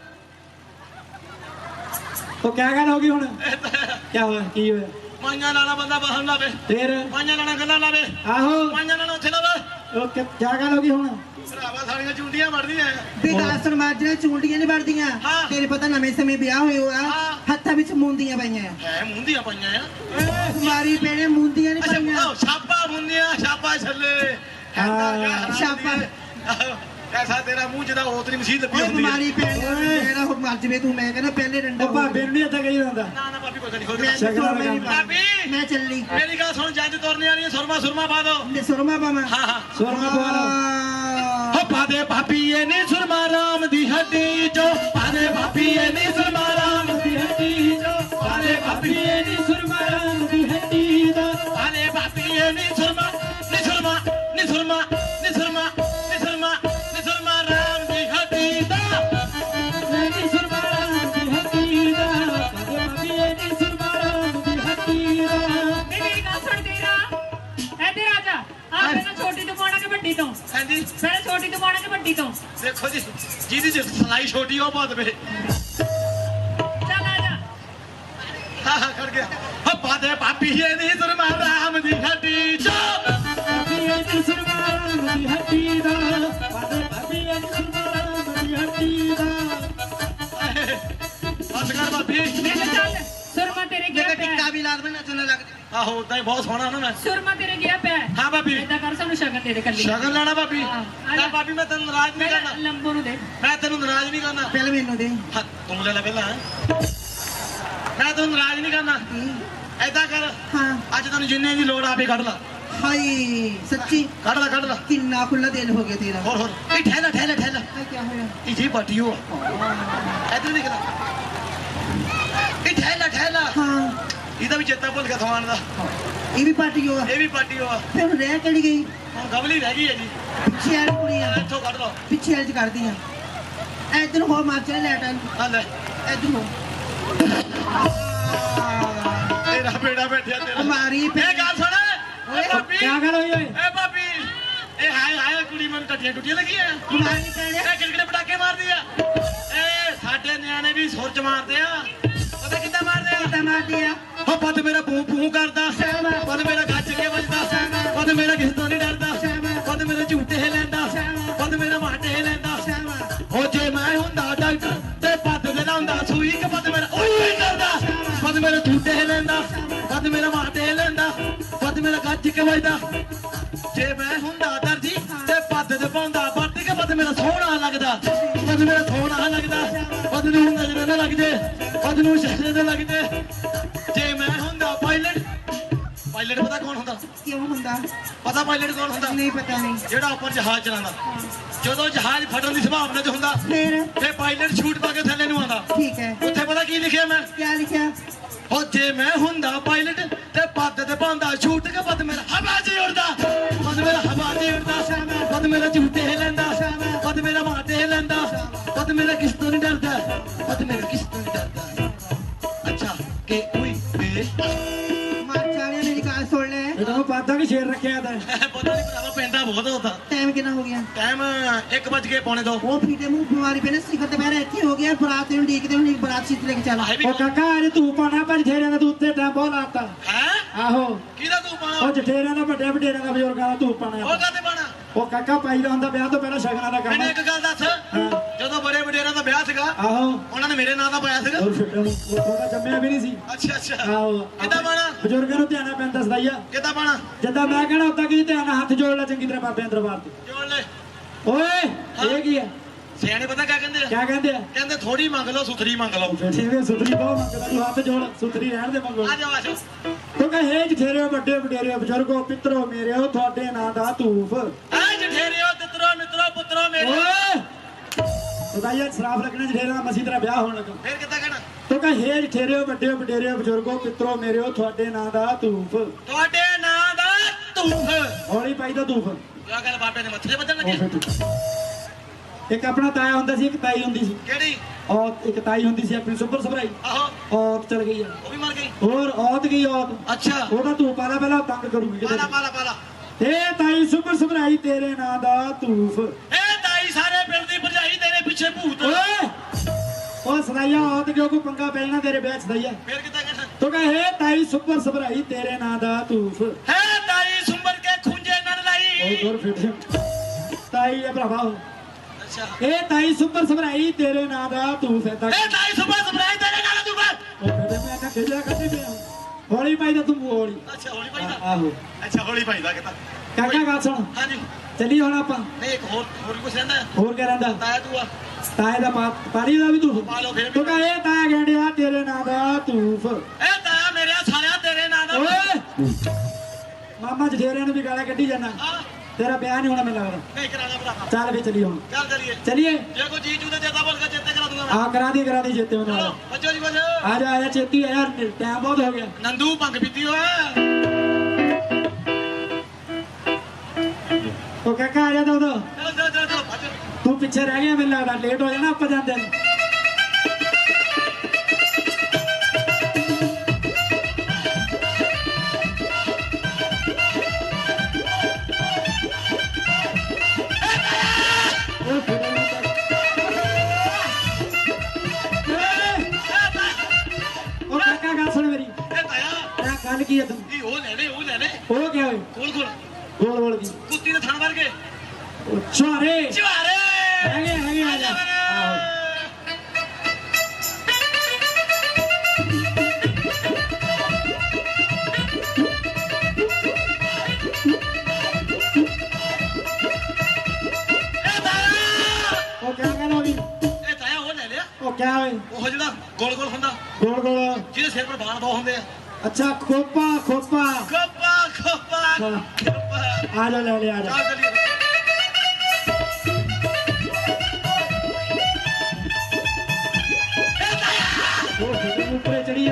A: ਉਹ ਕਿਆ ਗੱਲ ਹੋ ਗਈ ਹੁਣ ਕਿਆ ਹੋਇਆ ਕੀ ਹੋਇਆ
B: ਮਾਈਆਂ ਨਾਲਾ ਬੰਦਾ ਬਾਹਾਂ ਨੂੰ ਲਾਵੇ
A: ਫੇਰ
B: ਮਾਈਆਂ ਨਾਲਾ ਗੱਲਾਂ ਲਾਵੇ
A: ਆਹੋ
B: ਮਾਈਆਂ ਨਾਲਾ ਉੱਥੇ ਲਾਵੇ
A: ਉਹ ਕਿ- ਕਿਆ ਗੱਲ ਹੋ ਗਈ ਹੁਣ
B: ਭਰਾਵਾ ਸਾਰੀਆਂ ਚੁੰਡੀਆਂ ਮੜਦੀਆਂ
D: ਵੀ ਦਾਸਨ ਮਾਜਰੇ ਚੂੰਡੀਆਂ ਨਹੀਂ ਵੜਦੀਆਂ
B: ਹਾਂ।
D: ਤੇਰੇ ਪਤਾ ਨਵੇਂ ਸਮੇਂ ਵਿਆਹ ਹੋਏ ਹੋਆ
B: ਹਾਂ।
D: ਹੱਥਾਂ ਵਿੱਚ ਮੁੰਦੀਆਂ ਪਈਆਂ ਆ
B: ਹੈ ਮੁੰਦੀਆਂ ਪਾਈਆਂ ਆ
D: ਮਾਰੀ ਪੈਣੇ ਮੁੰਦੀਆਂ ਨਹੀਂ
B: ਅੱਛਾ
D: ਪਈਆਂ
B: ਉਹ ਛਾਪਾ ਮੁੰਦੀਆਂ ਛਾਪਾ ਛੱਲੇ
A: ਹਾਂ,
D: ਛਾਪਾ।
B: ਐਸਾ ਤੇਰਾ ਮੂੰਹ ਜਿਹਦਾ ਹੋਤਰੀ ਮਸੀਹ ਲੱਗੀ
D: ਓਏ
B: ਹੁੰਦੀ ਹੈ
D: ਮਾਰੀ ਪੈਣੇ ਜਿਹੜਾ ਉਹ ਮਰ ਜਵੇ ਤੂੰ ਮੈਂ ਕਹਿੰਦਾ ਪਹਿਲੇ ਡੰਡਾ
A: ਉਹ ਭਾਬੇ ਨੂੰ ਨਹੀਂ ਇੱਥੇ ਕਹੀ ਹੁੰਦਾ
B: ਨਾ ਨਾ ਭਾਬੀ ਕੋਈ ਨਹੀਂ ਖੋਲ
D: ਮੈਂ
A: ਸ਼ਗਨਾਂ ਦਾ
D: ਮੇਰੀ
A: ਕੰਮ।
B: ਭਾਬੀ
D: ਮੈਂ ਚੱਲੀ
B: ਮੇਰੀ ਗੱਲ ਸੁਣ ਜੰਜ ਤੁਰਨੇ ਵਾਲੀ ਸੁਰਮਾ ਸੁਰਮਾ ਪਾ ਦੋ
D: ਲੈ ਸੁਰਮਾ ਪਾਵਾਂ
B: ਹਾਂ ਹਾਂ
A: ਸੁਰਮਾ ਪਵਾ ਲਓ
D: ਆਹ,
B: ਹੋ ਪਾ ਦੇ ਭਾਬੀ ਇਹ ਨੀ ਸੁਰਮਾ ਰਾਮ ਦੀ ਹੱਡੀ ਚੋ ਪਾ ਦੇ ਭਾਬੀ ਇਹ ਨੀ ਸੁਰਮਾ ਰਾਮ ਦੀ ਹੱਡੀ ਚੋ ਪਾ ਦੇ ਭਾਬੀ ਇਹ ਨੀ ਸੁਰਮਾ ਰਾਮ ਦੀ ਹੱਡੀ ਦਾ ਪਾ ਦੇ ਭਾਬੀ ਇਹ ਨੀ ਸੁਰਮਾ ਨੀ ਸੁਰਮਾ ਨੀ ਸੁਰਮਾ ਨੀ ਸੁਰਮਾ ਨੀ ਸੁਰਮਾ ਨੀ ਸੁਰਮਾ ਰਾਮ ਦੀ ਹੱਡੀ ਦਾ
A: ਨਹੀਂ ਸੁਰਮਾਨ ਦੀ ਹੱਟੀ ਦਾ ਭਾਬੀ ਇਹ ਨਹੀਂ ਸੁਰਮਾਨ ਦੀ ਹੱਟੀ ਦਾ
C: ਨਹੀਂ ਮੇਰੀ ਗੱਲ ਸੁਣ ਤੇਰਾ ਇੱਧਰ ਆ ਜਾ ਆ ਪਹਿਲਾਂ ਛੋਟੀ ਤੋਂ ਪਾਉਣਾ ਕਿ ਵੱਡੀ ਤੋਂ
B: ਹਾਂਜੀ
C: ਪਹਿਲਾਂ ਛੋਟੀ ਤੋਂ ਪਾਉਣਾ ਕਿ ਵੱਡੀ ਤੋਂ
B: ਦੇਖੋ ਜੀ ਜਿਹਦੀ ਚ ਸਲਾਈ ਛੋਟੀ ਉਹ ਬਹੁਤ ਵੇ
C: ਚੱਲ ਆ ਜਾ
B: ਹਾਂ ਹਾਂ ਖੜ ਗਿਆ ਹੋ ਪਾ ਦੇ ਭਾਬੀ ਇਹ ਨੀ ਸੁਰਮਾ ਰਾਮ ਦੀ ਹੱਡੀ ਚੋ
A: ਭਾਬੀ ਇਹ ਨਹੀਂ ਸੁਰਮਾਨ ਦੀ ਹੱਟੀ ਦਾ ਭਾਬੀ ਇਹ ਨਹੀਂ ਸੁਰਮਾਨ ਦੀ ਹੱਟੀ ਦਾ
B: ਬਸ ਕਰ ਭਾਬੀ
C: ਮੈਂ ਕਿਹਾ ਚੱਲ ਸੁਰਮਾ ਤੇਰੇ ਗਿਆ
D: ਮੈਂ
C: ਪਿਆ
D: ਟਿੱਕਾ ਵੀ ਲਾ ਦਵਾਂ ਨੱਚਣ ਲੱਗ ਜਾ
B: ਆਹੋ ਉਦਾਂ ਹੀ ਬਹੁਤ ਸੋਹਣਾ ਨਾ ਮੈਂ
C: ਸੁਰਮਾ ਤੇਰੇ ਗਿਆ ਪਿਆ
B: ਹਾਂ ਭਾਬੀ
C: ਏਦਾਂ ਕਰ ਸਾਨੂੰ ਸ਼ਗਨ ਦੇ ਦੇ ਕੱਲੀ
B: ਸ਼ਗਨ ਲੈਣਾ ਭਾਬੀ
C: ਹਾਂ, ਆ
B: ਨਾ
C: ਜਾ।
B: ਭਾਬੀ ਮੈਂ ਤੈਨੂੰ ਨਾਰਾਜ਼ ਨਹੀਂ
C: ਪਹਿਲਾਂ
B: ਕਰਨਾ
C: ਲੰਬੋ ਨੂੰ ਦੇ
B: ਮੈਂ ਤੈਨੂੰ ਨਾਰਾਜ਼ ਨਹੀਂ ਕਰਨਾ
D: ਪਹਿਲੇ ਮੈਨੂੰ ਦੇ
B: ਹਾਂ, ਤੂੰ ਲੈ ਲੈ ਪਹਿਲਾਂ ਹੈਂ। ਮੈਂ ਤੈਨੂੰ ਨਾਰਾਜ਼ ਨਹੀਂ ਕਰਨਾ ਐਦਾਂ ਕਰ
D: ਹਾਂ
B: ਅੱਜ ਤੈਨੂੰ ਜਿੰਨੇ ਦੀ ਲੋੜ ਆਪੇ ਕੱਢ ਲਾ
D: ਹਾਏ ਸੱਚੀ
B: ਕੱਢ ਲਾ ਕੱਢ ਲਾ
D: ਕਿੰਨਾ ਖੁੱਲਾ ਦਿਲ ਹੋ ਗਿਆ ਤੇਰਾ
B: ਹੋਰ ਹੋਰ ਇਹ ਠਹਿਲਾ ਠਹਿਲਾ ਠਹਿਲਾ
D: ਇਹ ਕੀ ਹੋਇਆ
B: ਇਹ ਜੀ ਬਾਟੀ ਹੋ ਇੱਧਰ ਦੇਖ ਲੈ ਇਹ ਠਹਿਲਾ ਠਹਿਲਾ
D: ਹਾਂ
B: ਇਹਦਾ ਵੀ ਚੇਤਾ ਭੁੱਲ ਗਿਆ ਸਮਾਨ ਦਾ
D: ਇਹ ਵੀ ਪਾਰਟੀ ਹੋਆ
B: ਇਹ ਵੀ ਪਾਟੀ ਹੋ
D: ਫਿਰ ਹੁਣ ਰਹਿ ਕਿਹੜੀ ਗਈ
B: ਹੁਣ ਗਵਲੀ ਰਹਿ ਗਈ ਹੈ ਜੀ
D: ਪਿੱਛੇ ਵਾਲੀ ਕੁੜੀ ਆ
B: ਇੱਥੋਂ ਕੱਢ ਲਓ
D: ਪਿੱਛੇ ਵਾਲੀ ਚ ਕਰਦੀ ਆ ਇੱਧਰ ਹੋ ਮਾਰ ਚਲੇ ਲੈਟ
B: ਹਾਂ ਲੈ
D: ਇੱਧਰ ਹੋ
B: ਤੇਰਾ ਬੇੜਾ ਬੈਠਿਆ ਤੇਰਾ
D: ਮਾਰੀ
B: ਇਹ ਗੱਲ ਸੁਣ ਓਏ ਭਾਬੀ
A: ਕਿਆ ਗੱਲ ਹੋਈ ਓਏ
B: ਏ ਭਾਬੀ ਇਹ ਹਾਏ ਹਾਏ ਕੁੜੀ ਮੈਨੂੰ ਟੱਟੀਆਂ ਟੁੱਟੀਆਂ ਲੱਗੀਆਂ
D: ਮਾਰੀ ਪੈਣੇ
B: ਇਹ ਕਿਹੜੇ ਪਟਾਕੇ ਮਾਰਦੀ ਆ ਏ ਸਾਡੇ ਨਿਆਣੇ ਵੀ ਸੁਰਜ ਮਾਰਦੇ ਆ ਪਤਾ ਕਿੱਦਾਂ ਮਾਰਦੇ ਆ
D: ਕਿੱਦਾਂ ਮਾਰਦੀ ਆ
B: ਹੋ ਪਤ ਮੇਰਾ ਪੂ ਪੂ ਕਰਦਾ ਪਤ ਮੇਰਾ ਗੱਜ ਕੇ ਵੱਜਦਾ ਪਤ ਮੇਰਾ ਕਿਸੇ ਤੋਂ ਨਹੀਂ ਡਰਦਾ ਪਤ ਮੇਰਾ ਝੂਟੇ ਲੈਂਦਾ ਪਤ ਮੇਰਾ ਮਾਟੇ ਲੈਂਦਾ ਹੋ ਜੇ ਮੈਂ ਹੁੰਦਾ ਡਾਕਟਰ ਤੇ ਪਤ ਦੇ ਲਾਉਂਦਾ ਸੂਈ ਕਿ ਪਤ ਮੇਰਾ ਓਏ ਕਰਦਾ ਪਤ ਮੇਰਾ ਝੂਟੇ ਲੈਂਦਾ ਪਤ ਮੇਰਾ ਮਾਟੇ ਲੈਂਦਾ ਪਤ ਮੇਰਾ ਗੱਜ ਕੇ ਵੱਜਦਾ ਜੇ ਮੈਂ ਹੁੰਦਾ ਦਰਜੀ ਤੇ ਪੱਦ ਤੇ ਪਾਉਂਦਾ ਪੱਟ ਕੇ ਪੱਦ ਮੇਰਾ ਸੋਹਣਾ ਲੱਗਦਾ ਪੱਦ ਮੇਰਾ ਸੋਹਣਾ ਲੱਗਦਾ ਪੱਦ ਨੂੰ ਨਜ਼ਰ ਨਾ ਲੱਗ ਜੇ ਪੱਦ ਨੂੰ ਸ਼ਹਿਰੇ ਨਾ ਲੱਗ ਜੇ ਜੇ ਮੈਂ ਹੁੰਦਾ ਪਾਇਲਟ ਪਾਇਲਟ ਪਤਾ ਕੌਣ ਹੁੰਦਾ
D: ਕਿਉਂ ਹੁੰਦਾ
B: ਪਤਾ ਪਾਇਲਟ ਕੌਣ ਹੁੰਦਾ
D: ਨਹੀਂ ਪਤਾ ਨਹੀਂ
B: ਜਿਹੜਾ ਉੱਪਰ ਜਹਾਜ਼ ਚਲਾਉਂਦਾ ਜਦੋਂ ਜਹਾਜ਼ ਫਟਣ ਦੀ ਸੰਭਾਵਨਾ ਚ ਹੁੰਦਾ
D: ਫਿਰ
B: ਤੇ ਪਾਇਲਟ ਸ਼ੂਟ ਪਾ ਕੇ ਥੱਲੇ ਨੂੰ ਆਉਂਦਾ
D: ਠੀਕ ਹੈ
B: ਉੱਥੇ ਪਤਾ ਕੀ ਲਿਖਿਆ ਮੈਂ
D: ਕੀ ਲਿਖਿਆ
B: ਹੋ ਜੇ ਮੈਂ ਹੁੰਦਾ ਪਾਇਲਟ ਤੇ ਪੱਦ ਤੇ ਪਾਉਂਦਾ ਛੂਟ ਕੇ ਪੱਦ ਮੇਰਾ ਹਵਾ 'ਚ ਉੜਦਾ ਪੱਦ ਮੇਰਾ ਹਵਾ 'ਚ ਉੜਦਾ ਪੱਦ ਮੇਰਾ ਝੂਟੇ ਲੈਂਦਾ ਪੱਦ ਮੇਰਾ ਮਾਟੇ ਲੈਂਦਾ ਪੱਦ ਮੇਰਾ ਕਿਸ ਤੋਂ ਨਹੀਂ ਡਰਦਾ ਪੱਦ ਮੇਰਾ ਕਿਸ ਤੋਂ ਨਹੀਂ ਡਰਦਾ ਅੱਛਾ ਕਿ ਉਈ ਵੇ
D: ਮਾਰ ਚਾਲਿਆ ਮੇਰੀ ਗੱਲ ਸੁਣ ਲੈ
A: ਇਹ ਤਾਂ ਪਾਦਾ ਵੀ ਸ਼ੇਰ ਰੱਖਿਆ ਤਾਂ
B: ਪਤਾ ਨਹੀਂ ਭਰਾਵਾ ਪੈਂਦਾ ਬਹੁਤ ਹੁੰਦਾ
D: ਟਾਈਮ ਕਿੰਨਾ ਹੋ ਗਿਆ
B: ਟਾਈਮ ਇੱਕ ਵੱਜ ਕੇ ਪੌਣੇ ਦੋ
D: ਉਹ ਫੀਟੇ ਮੂੰਹ ਬਿਮਾਰੀ ਪੈਣੇ ਸਿਖਰ ਤੇ ਬਹਿਰਾ ਇੱਥੇ ਹੋ ਗਿਆ ਬਰਾਤ ਨੂੰ ਡੀਕਦੇ ਹੁਣ ਬਰਾਤ ਸੀਤ ਲੈ ਕੇ ਚੱਲ
B: ਆਹੇ ਵੀ
A: ਉਹ ਕਾਕਾ ਅੱਜ ਤੂੰ ਪਾਣਾ ਪਰ ਜਠੇਰਿਆਂ ਦਾ ਤੂੰ ਉੱਤੇ ਟੈਂਪੋ ਲਾਤਾ
B: ਹੈ
A: ਆਹੋ
B: ਕਿਹਦਾ ਤੂੰ
A: ਉਹ
B: ਪਾਣਾ
A: ਜਠੇਰਿਆਂ ਦਾ ਵੱਡੇ ਵਡੇਰਿਆਂ ਦਾ ਬਜ਼ੁਰਗਾਂ ਦਾ ਤੂੰ ਪਾਣਾ
B: ਉਹ ਕਾਤੇ ਪਾਣਾ
A: ਉਹ ਕਾਕਾ ਪਾਈ ਦਾ ਹੁੰਦਾ ਵਿਆਹ ਤੋਂ ਪਹਿਲਾਂ ਸ਼ਗਨਾਂ ਦਾ ਕੰਮ
B: ਮੈਨੂੰ ਇੱਕ ਗੱਲ ਦੱਸ
A: ਹਾਂ।
B: ਜਦੋਂ ਬੜੇ ਵਡੇਰਾਂ ਦਾ ਵਿਆਹ ਸੀਗਾ
A: ਆਹੋ
B: ਉਹਨਾਂ ਨੇ ਮੇਰੇ ਨਾਂ ਦਾ ਪਾਇਆ ਸੀਗਾ
A: ਹੋਰ ਛੱਡੋ ਉਹ ਥੋੜਾ ਜੰਮਿਆ ਵੀ ਨਹੀਂ ਸੀ
B: ਅੱਛਾ ਅੱਛਾ
A: ਆਹੋ
B: ਕਿੱਦਾਂ ਪਾਣਾ
A: ਬਜ਼ੁਰਗਾਂ ਨੂੰ ਧਿਆਨ ਪੈਂਦਾ ਸਦਾਈਆ
B: ਕਿੱਦਾਂ ਪਾਣਾ
A: ਜਿੱਦਾਂ ਮੈਂ ਕਹਿਣਾ ਉਦਾਂ ਕੀ ਧਿਆਨ ਨਾਲ ਹੱਥ ਜੋੜ ਲੈ ਚੰਗੀ ਤਰ੍ਹਾਂ ਬਾਬਿਆਂ ਦਰਬਾਰ ਤੇ
B: ਜੋੜ ਲੈ
A: ਓਏ ਇਹ ਕੀ ਆ
B: ਸਿਆਣੇ ਪਤਾ ਕਿਆ ਕਹਿੰਦੇ ਆ
A: ਕਿਆ ਕਹਿੰਦੇ ਆ
B: ਕਹਿੰਦੇ ਥੋੜੀ ਮੰਗ ਲਓ ਸੁਥਰੀ ਮੰਗ ਲਓ
A: ਬੈਠੇ ਵੇ ਸੁਥਰੀ ਬਹੁਤ ਮੰਗਦਾ ਤੂੰ ਹੱਥ ਜੋੜ ਸੁਥਰੀ ਰਹਿਣ ਦੇ ਮੰਗੋ
B: ਆ ਜਾਓ ਆ ਜਾਓ
A: ਤੂੰ ਕਹੇ ਹੇ ਜਠੇਰੇ ਵੱਡੇ ਵਡੇਰੇ ਬਜ਼ੁਰਗੋ ਪਿੱਤਰੋ ਮੇਰਿਓ ਤੁਹਾਡੇ ਨਾਂ ਦਾ ਧੂਫ
B: ਆ ਜਠੇਰਿਓ ਤਿੱਤਰੋ ਮਿੱਤਰੋ ਪੁੱਤਰੋ ਮੇਰੇ
A: ਓਏ ਸਦਾਈਆ ਸ਼ਰਾਬ ਲੱਗਣੇ ਜਠੇਰਾ ਮਸੀ ਤੇਰਾ ਵਿਆਹ ਹੋਣ ਲੱਗਾ
B: ਫੇਰ ਕਿੱਦਾਂ ਕਹਿਣਾ
A: ਤੋ ਕਹ ਹੇ ਜਠੇਰਿਓ ਵੱਡਿਓ ਵਡੇਰਿਓ ਬਜ਼ੁਰਗੋ ਪਿੱਤਰੋ ਮੇਰਿਓ ਤੁਹਾਡੇ ਨਾਂ ਦਾ ਧੂਫ
B: ਤੁਹਾਡੇ ਨਾਂ ਦਾ ਧੂਫ
A: ਹੌਲੀ ਪਾਈ ਦਾ ਧੂਫ
B: ਆ ਗੱਲ ਬਾਬੇ ਦੇ ਮੱਥੇ ਤੇ ਵੱਜਣ
A: ਉਹ
B: ਲੱਗੇ
A: ਫਿਰ ਠੀਕ। ਇੱਕ ਆਪਣਾ ਤਾਇਆ ਹੁੰਦਾ ਸੀ ਇੱਕ ਤਾਈ ਹੁੰਦੀ ਸੀ
B: ਕਿਹੜੀ
A: ਔਰਤ ਇੱਕ ਤਾਈ ਹੁੰਦੀ ਸੀ ਆਪਣੀ ਸੁਪਰ ਸਭਰਾਈ
B: ਆਹੋ
A: ਔਰਤ ਚਲ ਗਈ ਆ
B: ਉਹ ਵੀ ਮਰ ਗਈ
A: ਹੋਰ ਔਰਤ ਗਈ ਔਰਤ
B: ਅੱਛਾ
A: ਉਹਦਾ ਧੂਫ ਪਾਲਾ ਪਹਿਲਾਂ ਤੰਗ ਕਰੂਗੀ ਕਿਤੇ
B: ਪਾਲਾ ਪਾਲਾ ਪਾਲਾ
A: ਏ ਤਾਈ ਸੁਪਰ ਸਭਰਾਈ ਤੇਰੇ ਨਾਂ ਦਾ ਧੂਫ
B: ਇਹ ਤਾਈ ਸਾਰੇ ਪਿੰਡ ਦੀ ਭਰਜਾਈ ਤੇਰੇ ਪਿੱਛੇ ਭੂਤ
A: ਓਏ ਉਹ ਸਦਾਈਆ ਔਰਤ ਕਿਉਂ ਕੋ ਪੰਗਾ ਪੈਣਾ ਤੇਰੇ ਵਿਆਹ ਸਦਾਈਆ
B: ਫੇਰ ਕਿੱਦਾਂ ਕਹਿਣਾ
A: ਤੋ ਕਹੇ ਤਾਈ ਸੁਪਰ ਸਭਰਾਈ ਤੇਰੇ ਨਾਂ ਦਾ ਧੂਫ
B: ਹੈ ਤਾਈ ਸੁੰਬਰ ਕੇ ਖੁੰਝੇ ਨਨ
A: ਉਹ
B: ਲਾਈ
A: ਹੋਰ ਫਿਰ ਤਾਈ ਇਹ ਭਰਾਵਾ ਉਹ।
B: ਅੱਛਾ
A: ਇਹ ਤਾਈ ਸੁਪਰ ਸਭਰਾਈ ਤੇਰੇ ਨਾਂ ਦਾ ਧੂਫ ਹੈ ਤਾਂ
B: ਇਹ ਤਾਈ ਸੁੰਬਰ ਸਪਰਾਈ ਤੇਰੇ ਨਾਲ ਤੂੰ ਬਾਤ
A: ਉਹ ਫਿਰ ਮੈਂ ਆਖਿਆ ਖੇਜਾ ਕੱਢੀ ਪਿਆ ਹੌਲੀ ਪਾਈ ਦਾ ਤੂੰ ਹੌਲੀ
B: ਅੱਛਾ ਹੋਲੀ ਭਾਈ ਦਾ
A: ਆਹੋ
B: ਅੱਛਾ ਹੋਲੀ ਭਾਈ ਦਾ ਕਿਤਾ
A: ਕਾਕਾ ਗੱਲ ਸੁਣ
B: ਹਾਂਜੀ
A: ਚੱਲੀ ਹੁਣ ਆਪਾਂ
B: ਨਹੀਂ ਇੱਕ ਹੋਰ ਹੋਰ ਕੁਛ ਰਹਿੰਦਾ ਹੈ?
A: ਹੋਰ ਕਿਆ ਰਹਿੰਦਾ
B: ਤਾਇਆ ਤੂੰ ਆ
A: ਤਾਏ ਦਾ ਪਾ ਪਾਣੀ ਦਾ ਵੀ ਧੂਫ
B: ਪਾ ਲਓ ਫਿਰ ਵੀ।
A: ਤੂੰ ਕਹੇ ਤਾਇਆ ਗੰਡਿਆ ਤੇਰੇ ਨਾਂ ਦਾ ਧੂਫ
B: ਇਹ ਤਾਇਆ ਮੇਰੇ ਸਾਲਿਆ ਤੇਰੇ ਨਾਂ ਦਾ
A: ਓਏ ਮਾਮਾ ਜਠੇਰਿਆਂ ਨੂੰ ਵੀ ਗਾਲਾਂ ਕੱਢੀ ਜਾਣਾ
B: ਆ
A: ਤੇਰਾ ਵਿਆਹ ਨਹੀਂ ਹੋਣਾ ਮੈਨੂੰ ਲੱਗਦਾ
B: ਨਹੀਂ ਕਰਾਣਾ ਭਰਾ
A: ਚੱਲ ਵੀ ਚੱਲੀ ਹੁਣ
B: ਚੱਲ ਚਲੀਏ
A: ਚੱਲੀਏ
B: ਜੇ ਕੋਈ ਜੀ ਜੂ ਤੇ ਚੇਤਾ ਬੋਲ ਕੇ ਚੇਤੇ ਕਰਾ ਦੂੰਗਾ ਮੈਂ
A: ਆ ਕਰਾ ਦੀ ਕਰਾ ਦੀ ਜੇਤੇ ਉਹਨਾਂ
B: ਚਲੋ
A: ਨਾਲ
B: ਬੱਚੋ ਜੀ ਬੱਚੋ
A: ਆ ਜਾ ਆ ਜਾ ਛੇਤੀ ਆ ਯਾਰ ਟਾਈਮ ਬਹੁਤ ਹੋ ਗਿਆ
B: ਨੰਦੂ ਭੰਗ ਪੀਤੀ ਓਏ
A: ਉਹ ਕਾਕਾ ਆ ਜਾ ਦੋ ਦੋ
B: ਚਲੋ ਚਲੋ ਚਲੋ ਚਲੋ ਭੱਜ
A: ਤੂੰ ਪਿੱਛੇ ਰਹਿ ਗਿਆ ਮੈਨੂੰ ਲੱਗਦਾ ਲੇਟ ਹੋ ਜਾਣਾ ਆਪਾਂ ਜਾਂਦੇ ਨੂੰ ਉਹ ਫਿਰ ਉਹਨੂੰ ਤਾਂ- ਉਹ ਕਾਕਾ ਗੱਲ ਸੁਣ ਮੇਰੀ
B: ਇਹ ਤਾਇਆ
A: ਆ ਗੱਲ ਕੀ ਹੈ ਤੂੰ
B: ਇਹ ਉਹ ਲੈ ਲੈ ਉਹ ਲੈ ਲੈ
A: ਉਹ ਕਿਆ ਹੋਏ
B: ਕੋਲ ਕੋਲ
A: ਗੋਲ ਗੋਲ ਕੀ
B: ਕੁੱਤੀ ਦੇ ਥਣ ਵਰਗੇ
A: ਉਹ ਛੁਹਾਰੇ
B: ਚਵਾਰੇ
A: ਹੈਗੇ ਹੈਗੇ ਆ ਜਾ ਆਹੋ
B: ਇਹ ਤਾਇਆ
A: ਉਹ ਕਿਆ ਕਹਿੰਦਾ ਵੀ
B: ਇਹ ਤਾਇਆ ਉਹ ਲੈ ਲਿਆ
A: ਉਹ ਕਿਆ ਹੋਏ
B: ਉਹ ਜਿਹੜਾ ਗੋਲ ਗੋਲ ਹੁੰਦਾ
A: ਗੋਲ ਗੋਲ
B: ਜਿਹਦੇ ਸਿਰ ਪਰ ਬਾਲ ਬਹੁਤ ਹੁੰਦੇ ਆ
A: ਅੱਛਾ ਖੋਪਾ ਖੋਪਾ
B: ਖੋਪਾ ਖੋਪਾ
A: ਹਾਂ।
B: ਖੋਪਾ
A: ਆ ਜਾ ਲੈ ਲੈ ਆ ਜਾ
B: ਚੱਲ ਚਲੀਏ
A: ਉਹ ਫਿਰ ਉੱਪਰੇ ਚੜੀ ਆ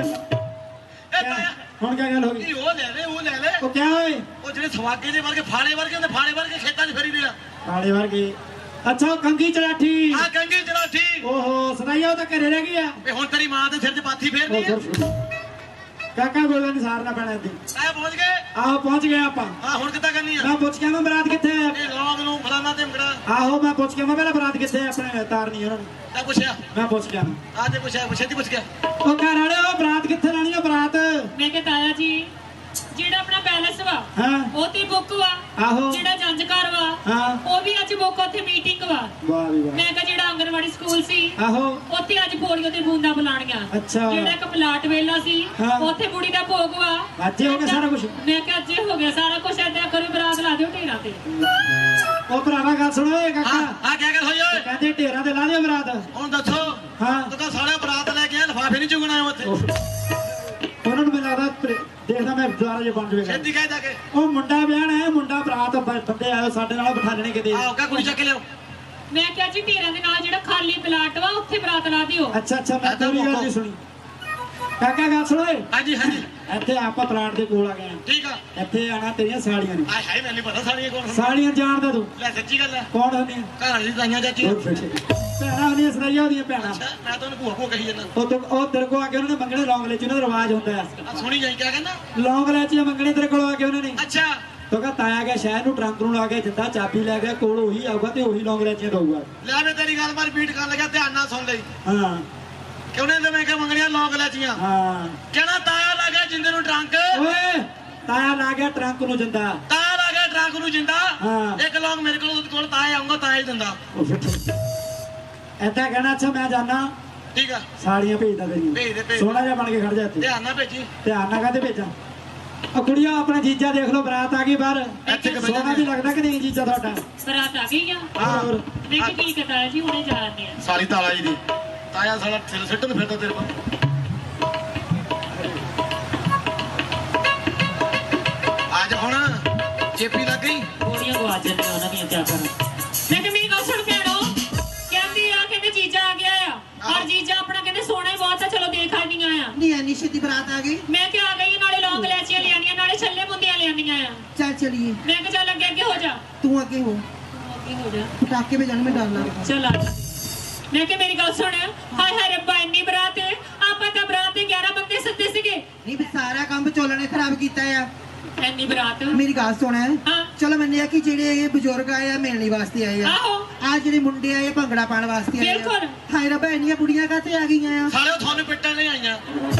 B: ਇਹ ਤਾਇਆ
A: ਹੁਣ ਕਿਆ ਗੱਲ ਹੋ ਗਈ
B: ਇਹ ਉਹ ਲੈ ਲੈ ਉਹ ਲੈ ਲੈ
A: ਉਹ ਕਿਆ ਹੋਏ
B: ਉਹ ਜਿਹੜੇ ਸਵਾਗੇ ਦੇ ਵਰਗੇ ਫਾੜੇ ਵਰਗੇ ਹੁੰਦੇ ਫਾੜੇ ਵਰਗੇ ਖੇਤਾਂ 'ਚ ਫੇਰੀ ਦੇ ਆ
A: ਕਾਲੇ ਵਰਗੇ ਅੱਛਾ ਉਹ ਕੰਗੀ ਚੜਾਠੀ
B: ਆ ਕੰਗੀ ਚਲਾਠੀ
A: ਓਹੋ ਸਦਾਈਆ ਉਹ ਤਾਂ ਘਰੇ ਰਹਿ ਗਈ ਆ
B: ਇਹ ਹੁਣ ਤੇਰੀ ਮਾਂ ਦੇ ਸਿਰ 'ਚ ਪਾਥੀ
A: ਉਹ
B: ਫੇਰਨੀ ਆ
A: ਫਿਰ ਕਾਕਾ ਗੋਲਾ ਨਹੀਂ ਸਾਰਨਾ ਪੈਣਾ ਇੱਥੇ
B: ਤਾਇਆ ਪਹੁੰਚ ਗਏ
A: ਆਹੋ ਪਹੁੰਚ ਗਏ ਆਪਾਂ
B: ਹਾਂ ਹੁਣ ਕਿੱਦਾਂ ਕਰਨੀ ਆ
A: ਮੈਂ ਪੁੱਛ ਕੇ ਮੈਂ ਬਰਾਤ ਕਿੱਥੇ ਹੈ
B: ਇਹ ਲੋਗ ਨੂੰ ਫਲਾਣਾ ਤੇ ਮਗੜਾ
A: ਆਹੋ ਮੈਂ ਪੁੱਛ ਕੇ ਮੈਂ ਪਹਿਲਾਂ ਬਰਾਤ ਕਿੱਥੇ ਹੈ ਆਪਣੇ ਤਾਰਨੀ ਉਹਨਾਂ ਨੂੰ
B: ਤਾਂ ਪੁੱਛਿਆ
A: ਮੈਂ ਪੁੱਛ ਕੇ ਆਵਾਂ।
B: ਆ ਤੇ ਪੁੱਛਿਆ ਪੁੱਛਿਆ ਤੀ ਪੁੱਛ ਗਿਆ
A: ਉਹ ਘਰ ਵਾਲੇ ਉਹ ਬਰਾਤ ਕਿੱਥੇ ਲੈਣੀ ਆ ਬਰਾਤ
C: ਮੈਂ ਕਿਹਾ ਤਾਇਆ ਜੀ ਜਿਹੜਾ ਆਪਣਾ ਪੈਲਸ ਵਾ
A: ਹਾਂ
C: ਉਹ ਤੇ ਬੁੱਕ ਵਾ
A: ਆਹੋ
C: ਜਿਹੜਾ ਜੰਜ ਘਰ ਵਾ
A: ਹਾਂ
C: ਉਹ ਵੀ ਅੱਜ ਬੁੱਕ ਉੱਥੇ ਮੀਟਿੰਗ ਵਾ
A: ਵਾਹ ਵੀ ਵਾਹ
C: ਮੈਂ ਕਿਹਾ ਜਿਹੜਾ ਆਂਗਨਵਾੜੀ ਸਕੂਲ ਸੀ
A: ਆਹੋ
C: ਉੱਥੇ ਅੱਜ ਪੋਲੀਓ ਤੇ ਬੂੰਦਾਂ ਬੁਲਾਣੀਆਂ
A: ਅੱਛਾ।
C: ਜਿਹੜਾ ਇੱਕ ਪਲਾਟ ਵੇਲਾ ਸੀ
A: ਹਾਂ।
C: ਉੱਥੇ ਬੁੜੀ ਦਾ ਭੋਗ ਵਾ
A: ਅੱਜੇ ਹੋ ਗਿਆ ਸਾਰਾ ਕੁਝ
C: ਮੈਂ ਕਿਹਾ ਅੱਜ ਹੋ ਗਿਆ ਸਾਰਾ ਕੁਝ ਏਦਾਂ ਕਰੋ ਬਰਾਤ ਲਾ ਦਿਓ ਢੇਰਾਂ ਤੇ
A: ਉਹ ਭਰਾਵਾ ਗੱਲ ਸੁਣੋ ਏ
B: ਹਾਂ
A: ਕਾਕਾ
B: ਆ ਕਿਆ ਗੱਲ ਹੋਈ ਓਏ
A: ਕਹਿੰਦੇ ਢੇਰਾਂ ਤੇ ਲਾ ਦਿਓ ਬਰਾਤ
B: ਹੁਣ ਦੱਸੋ
A: ਹਾਂ
B: ਤੂੰ ਕਾ ਸਾਲਿਆ ਬਰਾਤ ਲੈ ਕੇ ਆ ਲਫਾਫੇ ਨਹੀਂ ਚੁਗਣਾ ਉੱਥੇ
A: ਉਹਨਾਂ ਨੂੰ ਮੈਨੂੰ ਲੱਗਦਾ ਪ੍ਰੇ- ਦੇਖਦਾ ਮੈਂ ਦੁਆਰਾ ਜੇ ਬਣ ਜਵੇਗਾ
B: ਛੇਤੀ ਕਹਿ ਜਾ ਕੇ
A: ਉਹ ਮੁੰਡਾ ਵਿਆਹਣਾ ਹੈ ਮੁੰਡਾ ਬਰਾਤ ਬ- ਬੰਦੇ ਆਇਓ ਸਾਡੇ ਨਾਲ ਬਿਠਾ ਲੈਣੇ ਕਿਤੇ
B: ਆਓ ਕਾ ਕੁੜੀ ਚੱਕ ਲਿਓ
C: ਮੈਂ ਕਿਹਾ ਜੀ ਢੇਰਾਂ ਦੇ ਨਾਲ ਜਿਹੜਾ ਖਾਲੀ ਪਲਾਟ ਵਾ ਉੱਥੇ ਬਰਾਤ ਲਾ ਦਿਓ
A: ਅੱਛਾ ਅੱਛਾ ਮੈਂ
B: ਏਦਾਂ
A: ਤੇਰੀ ਗੱਲ
B: ਮੌਕਾ।
A: ਨਹੀਂ ਸੁਣੀ ਕਾਕਾ ਗੱਲ ਸੁਣੋ ਏ
B: ਹਾਂਜੀ ਹਾਂਜੀ
A: ਇੱਥੇ ਆਪਾਂ ਪਲਾਟ ਦੇ ਕੋਲ ਆ ਗਏ ਆ
B: ਠੀਕ ਆ
A: ਇੱਥੇ ਆਣਾ ਤੇਰੀਆਂ ਸਾਲੀਆਂ ਨੇ
B: ਆਏ ਹਾਏ ਮੈਨੂੰ ਨਹੀਂ ਪਤਾ ਸਾਲੀਆਂ ਕੌਣ ਹਨ
A: ਸਾਲੀਆਂ ਜਾਣਦਾ ਤੂੰ
B: ਲੈ ਸੱਚੀ ਗੱਲ ਹੈ
A: ਕੌਣ ਹੁੰਦੀਆਂ
B: ਘਰ ਵਾਲੀ ਦਾਈਆਂ ਚਾਚੀ
A: ਹੋਰ ਫਿਰ ਠੀਕ। ਭੈਣਾਂ ਹੁੰਦੀਆਂ ਸਦਾਈਆਂ ਹੁੰਦੀਆਂ ਭੈਣਾਂ
B: ਅੱਛਾ ਮੈਂ ਤਾਂ ਉਹਨੂੰ ਭੂਆ ਭੂਆ ਕਹੀ ਜਾਂਦਾ
A: ਉਹ ਤੋਂ ਉਹ ਤੇਰੇ ਕੋਲ ਆ ਕੇ ਉਹਨਾਂ ਨੇ ਮੰਗਣੇ ਲੌਂਗਲੇ ਚ ਉਹਨਾਂ ਦਾ ਰਿਵਾਜ ਹੁੰਦਾ ਹੈ
B: ਆ ਸੁਣੀ ਜਾਈ ਕਿਆ ਕਹਿੰਦਾ
A: ਲੌਂਗਲੇ ਚ ਮੰਗਣੇ ਤੇਰੇ ਕੋਲ ਆ ਕੇ ਉਹਨਾਂ ਨੇ
B: ਅੱਛਾ
A: ਤੋ ਕਹ ਤਾਇਆ ਗਿਆ ਸ਼ਹਿਰ ਨੂੰ ਟਰੰਕ ਨੂੰ ਲਾ ਕੇ ਜਿੱਦਾਂ ਚਾਬੀ ਲੈ ਗਿਆ ਕੋਲ ਉਹੀ ਆਊਗਾ ਤੇ ਉਹੀ ਲੌਂਗਲੇ ਚ ਦਊਗਾ
B: ਲੈ ਵੇ ਤੇਰੀ ਗੱਲ ਮੈਂ ਰਿਪੀਟ ਕਰਨ ਲੱਗਾ ਧਿਆਨ ਨਾਲ ਸੁਣ ਲਈ
A: ਹਾਂ
B: ਕਿਉਂ ਨੇ ਤੇ ਮੈਂ ਕਿ ਮੰਗਣੀਆਂ ਲੋਕ ਲੈਚੀਆਂ
A: ਹਾਂ
B: ਕਹਿਣਾ ਤਾਇਆ ਲਾ ਗਿਆ ਜਿੰਦੇ ਨੂੰ ਟਰੰਕ
A: ਓਏ ਤਾਇਆ ਲਾ ਗਿਆ ਟਰੰਕ ਨੂੰ ਜਿੰਦਾ
B: ਤਾਇਆ ਲਾ ਗਿਆ ਟਰੰਕ ਨੂੰ ਜਿੰਦਾ
A: ਹਾਂ।
B: ਇੱਕ ਲੋਕ ਮੇਰੇ ਕੋਲ ਉਹਦੇ ਕੋਲ ਤਾਇਆ ਆਉਂਗਾ ਤਾਇਆ ਹੀ ਦਿੰਦਾ
A: ਐਦਾਂ ਕਹਿਣਾ ਅੱਛਾ ਮੈਂ ਜਾਣਾ
B: ਠੀਕ ਆ
A: ਸਾੜੀਆਂ ਭੇਜਦਾ
B: ਭੇਜ ਦੇ,
A: ਤੇਰੀ
B: ਭੇਜ।
A: ਸੋਹਣਾ ਜਿਹਾ ਬਣ ਕੇ ਖੜ ਜਾ ਇੱਥੇ
B: ਧਿਆਨ ਨਾਲ ਭੇਜੀ
A: ਧਿਆਨ ਨਾਲ ਕਾਹਦੇ ਭੇਜਾਂ ਉਹ ਕੁੜੀਆਂ ਆਪਣਾ ਜੀਜਾ ਦੇਖ ਲਓ ਬਰਾਤ ਆ ਗਈ ਬਾਹਰ
B: ਇੱਥੇ ਕਿ
A: ਸੋਹਣਾ ਵੀ ਲੱਗਦਾ ਕਿ ਨਹੀਂ ਜੀਜਾ ਤੁਹਾਡਾ
C: ਬਰਾਤ ਆ ਗਈ ਆ
A: ਹੋਰ
C: ਮੈਂ ਕਿਹਾ ਠੀਕ ਹੈ ਤਾਇਆ ਜੀ ਹੁਣੇ ਜਾਣਦੇ ਆ
B: ਸਾਲੀ ਤਾਲਾ ਜੀ ਦੀ ਤਾਇਆ ਸਾਲਾ ਸਿਰ ਸਿੱਟ ਨੂੰ ਫਿਰਦਾ ਤੇਰੇ ਕੋਲ ਅੱਜ ਹੁਣ ਚੇਪੀ ਲੱਗ ਗਈ
C: ਗੋਲੀਆਂ ਗਵਾ ਜਾਂਦੇ ਉਹਨਾਂ ਦੀਆਂ ਕਿਆ ਕਰਾਂ ਮੈਂ ਕਿ ਮੇਰੀ ਗੱਲ ਸੁਣ ਭੈਣੋ ਕਹਿੰਦੀ ਆ ਕਹਿੰਦੇ ਜੀ
D: ਨਹੀਂ ਐਨੀ ਛੇਤੀ ਬਰਾਤ ਆ ਗਈ
C: ਮੈਂ ਕਿ ਆ ਗਈ ਨਾਲੇ ਲੌਂਗ ਲੈਚੀਆਂ ਲਿਆਣੀਆਂ ਨਾਲੇ ਛੱਲੇ ਮੁੰਦੀਆਂ ਲਿਆਣੀਆਂ ਆ
D: ਚੱਲ ਚਲੀਏ
C: ਮੈਂ ਕਿ ਚੱਲ ਅੱਗੇ ਅੱਗੇ ਹੋ ਜਾ
D: ਤੂੰ ਅੱਗੇ ਹੋ
C: ਤੂੰ ਅੱਗੇ ਹੋ ਜਾ
D: ਪਟਾਕੇ ਵਜਾਣ ਮੈਂ ਡਰ ਲੱਗਦਾ
C: ਚੱਲ ਆ ਜਾ। ਮੈਂ ਕਿ ਮੇਰੀ ਗੱਲ ਸੁਣ ਹਾਏ ਹਾਏ ਰੱਬਾ ਇੰਨੀ ਬਰਾਤ ਆਪਾਂ ਤਾਂ ਬਰਾਤ ਦੇ ਗਿਆਰਾਂ ਬੰਦੇ ਸੱਦੇ ਸੀਗੇ
D: ਨਹੀਂ ਵੀ ਸਾਰਾ ਕੰਮ ਵਿਚੋਲਣ ਨੇ ਖਰਾਬ ਕੀਤਾ ਆ
C: ਇੰਨੀ ਬਰਾਤ
D: ਮੇਰੀ ਗੱਲ ਸੁਣ
C: ਹਾਂ
D: ਚਲੋ ਮੰਨਿਆ ਕਿ ਜਿਹੜੇ ਇਹ ਬਜ਼ੁਰਗ ਆਏ ਆ ਮਿਲਣੀ ਵਾਸਤੇ ਆਏ ਆ
C: ਆਹੋ
D: ਆ ਜਿਹੜੇ ਮੁੰਡੇ ਆਏ ਆ ਭੰਗੜਾ ਪਾਉਣ ਵਾਸਤੇ ਆਏ ਆ
C: ਬਿਲਕੁਲ।
D: ਹਾਏ ਰੱਬਾ ਇੰਨੀਆਂ ਬੁੜੀਆਂ ਕਾਤੇ ਆ ਗਈਆਂ ਆ
B: ਸਾਲਿਓ ਤੁਹਾਨੂੰ ਪਿੱਟਣ ਨਹੀਂ ਆਈਆਂ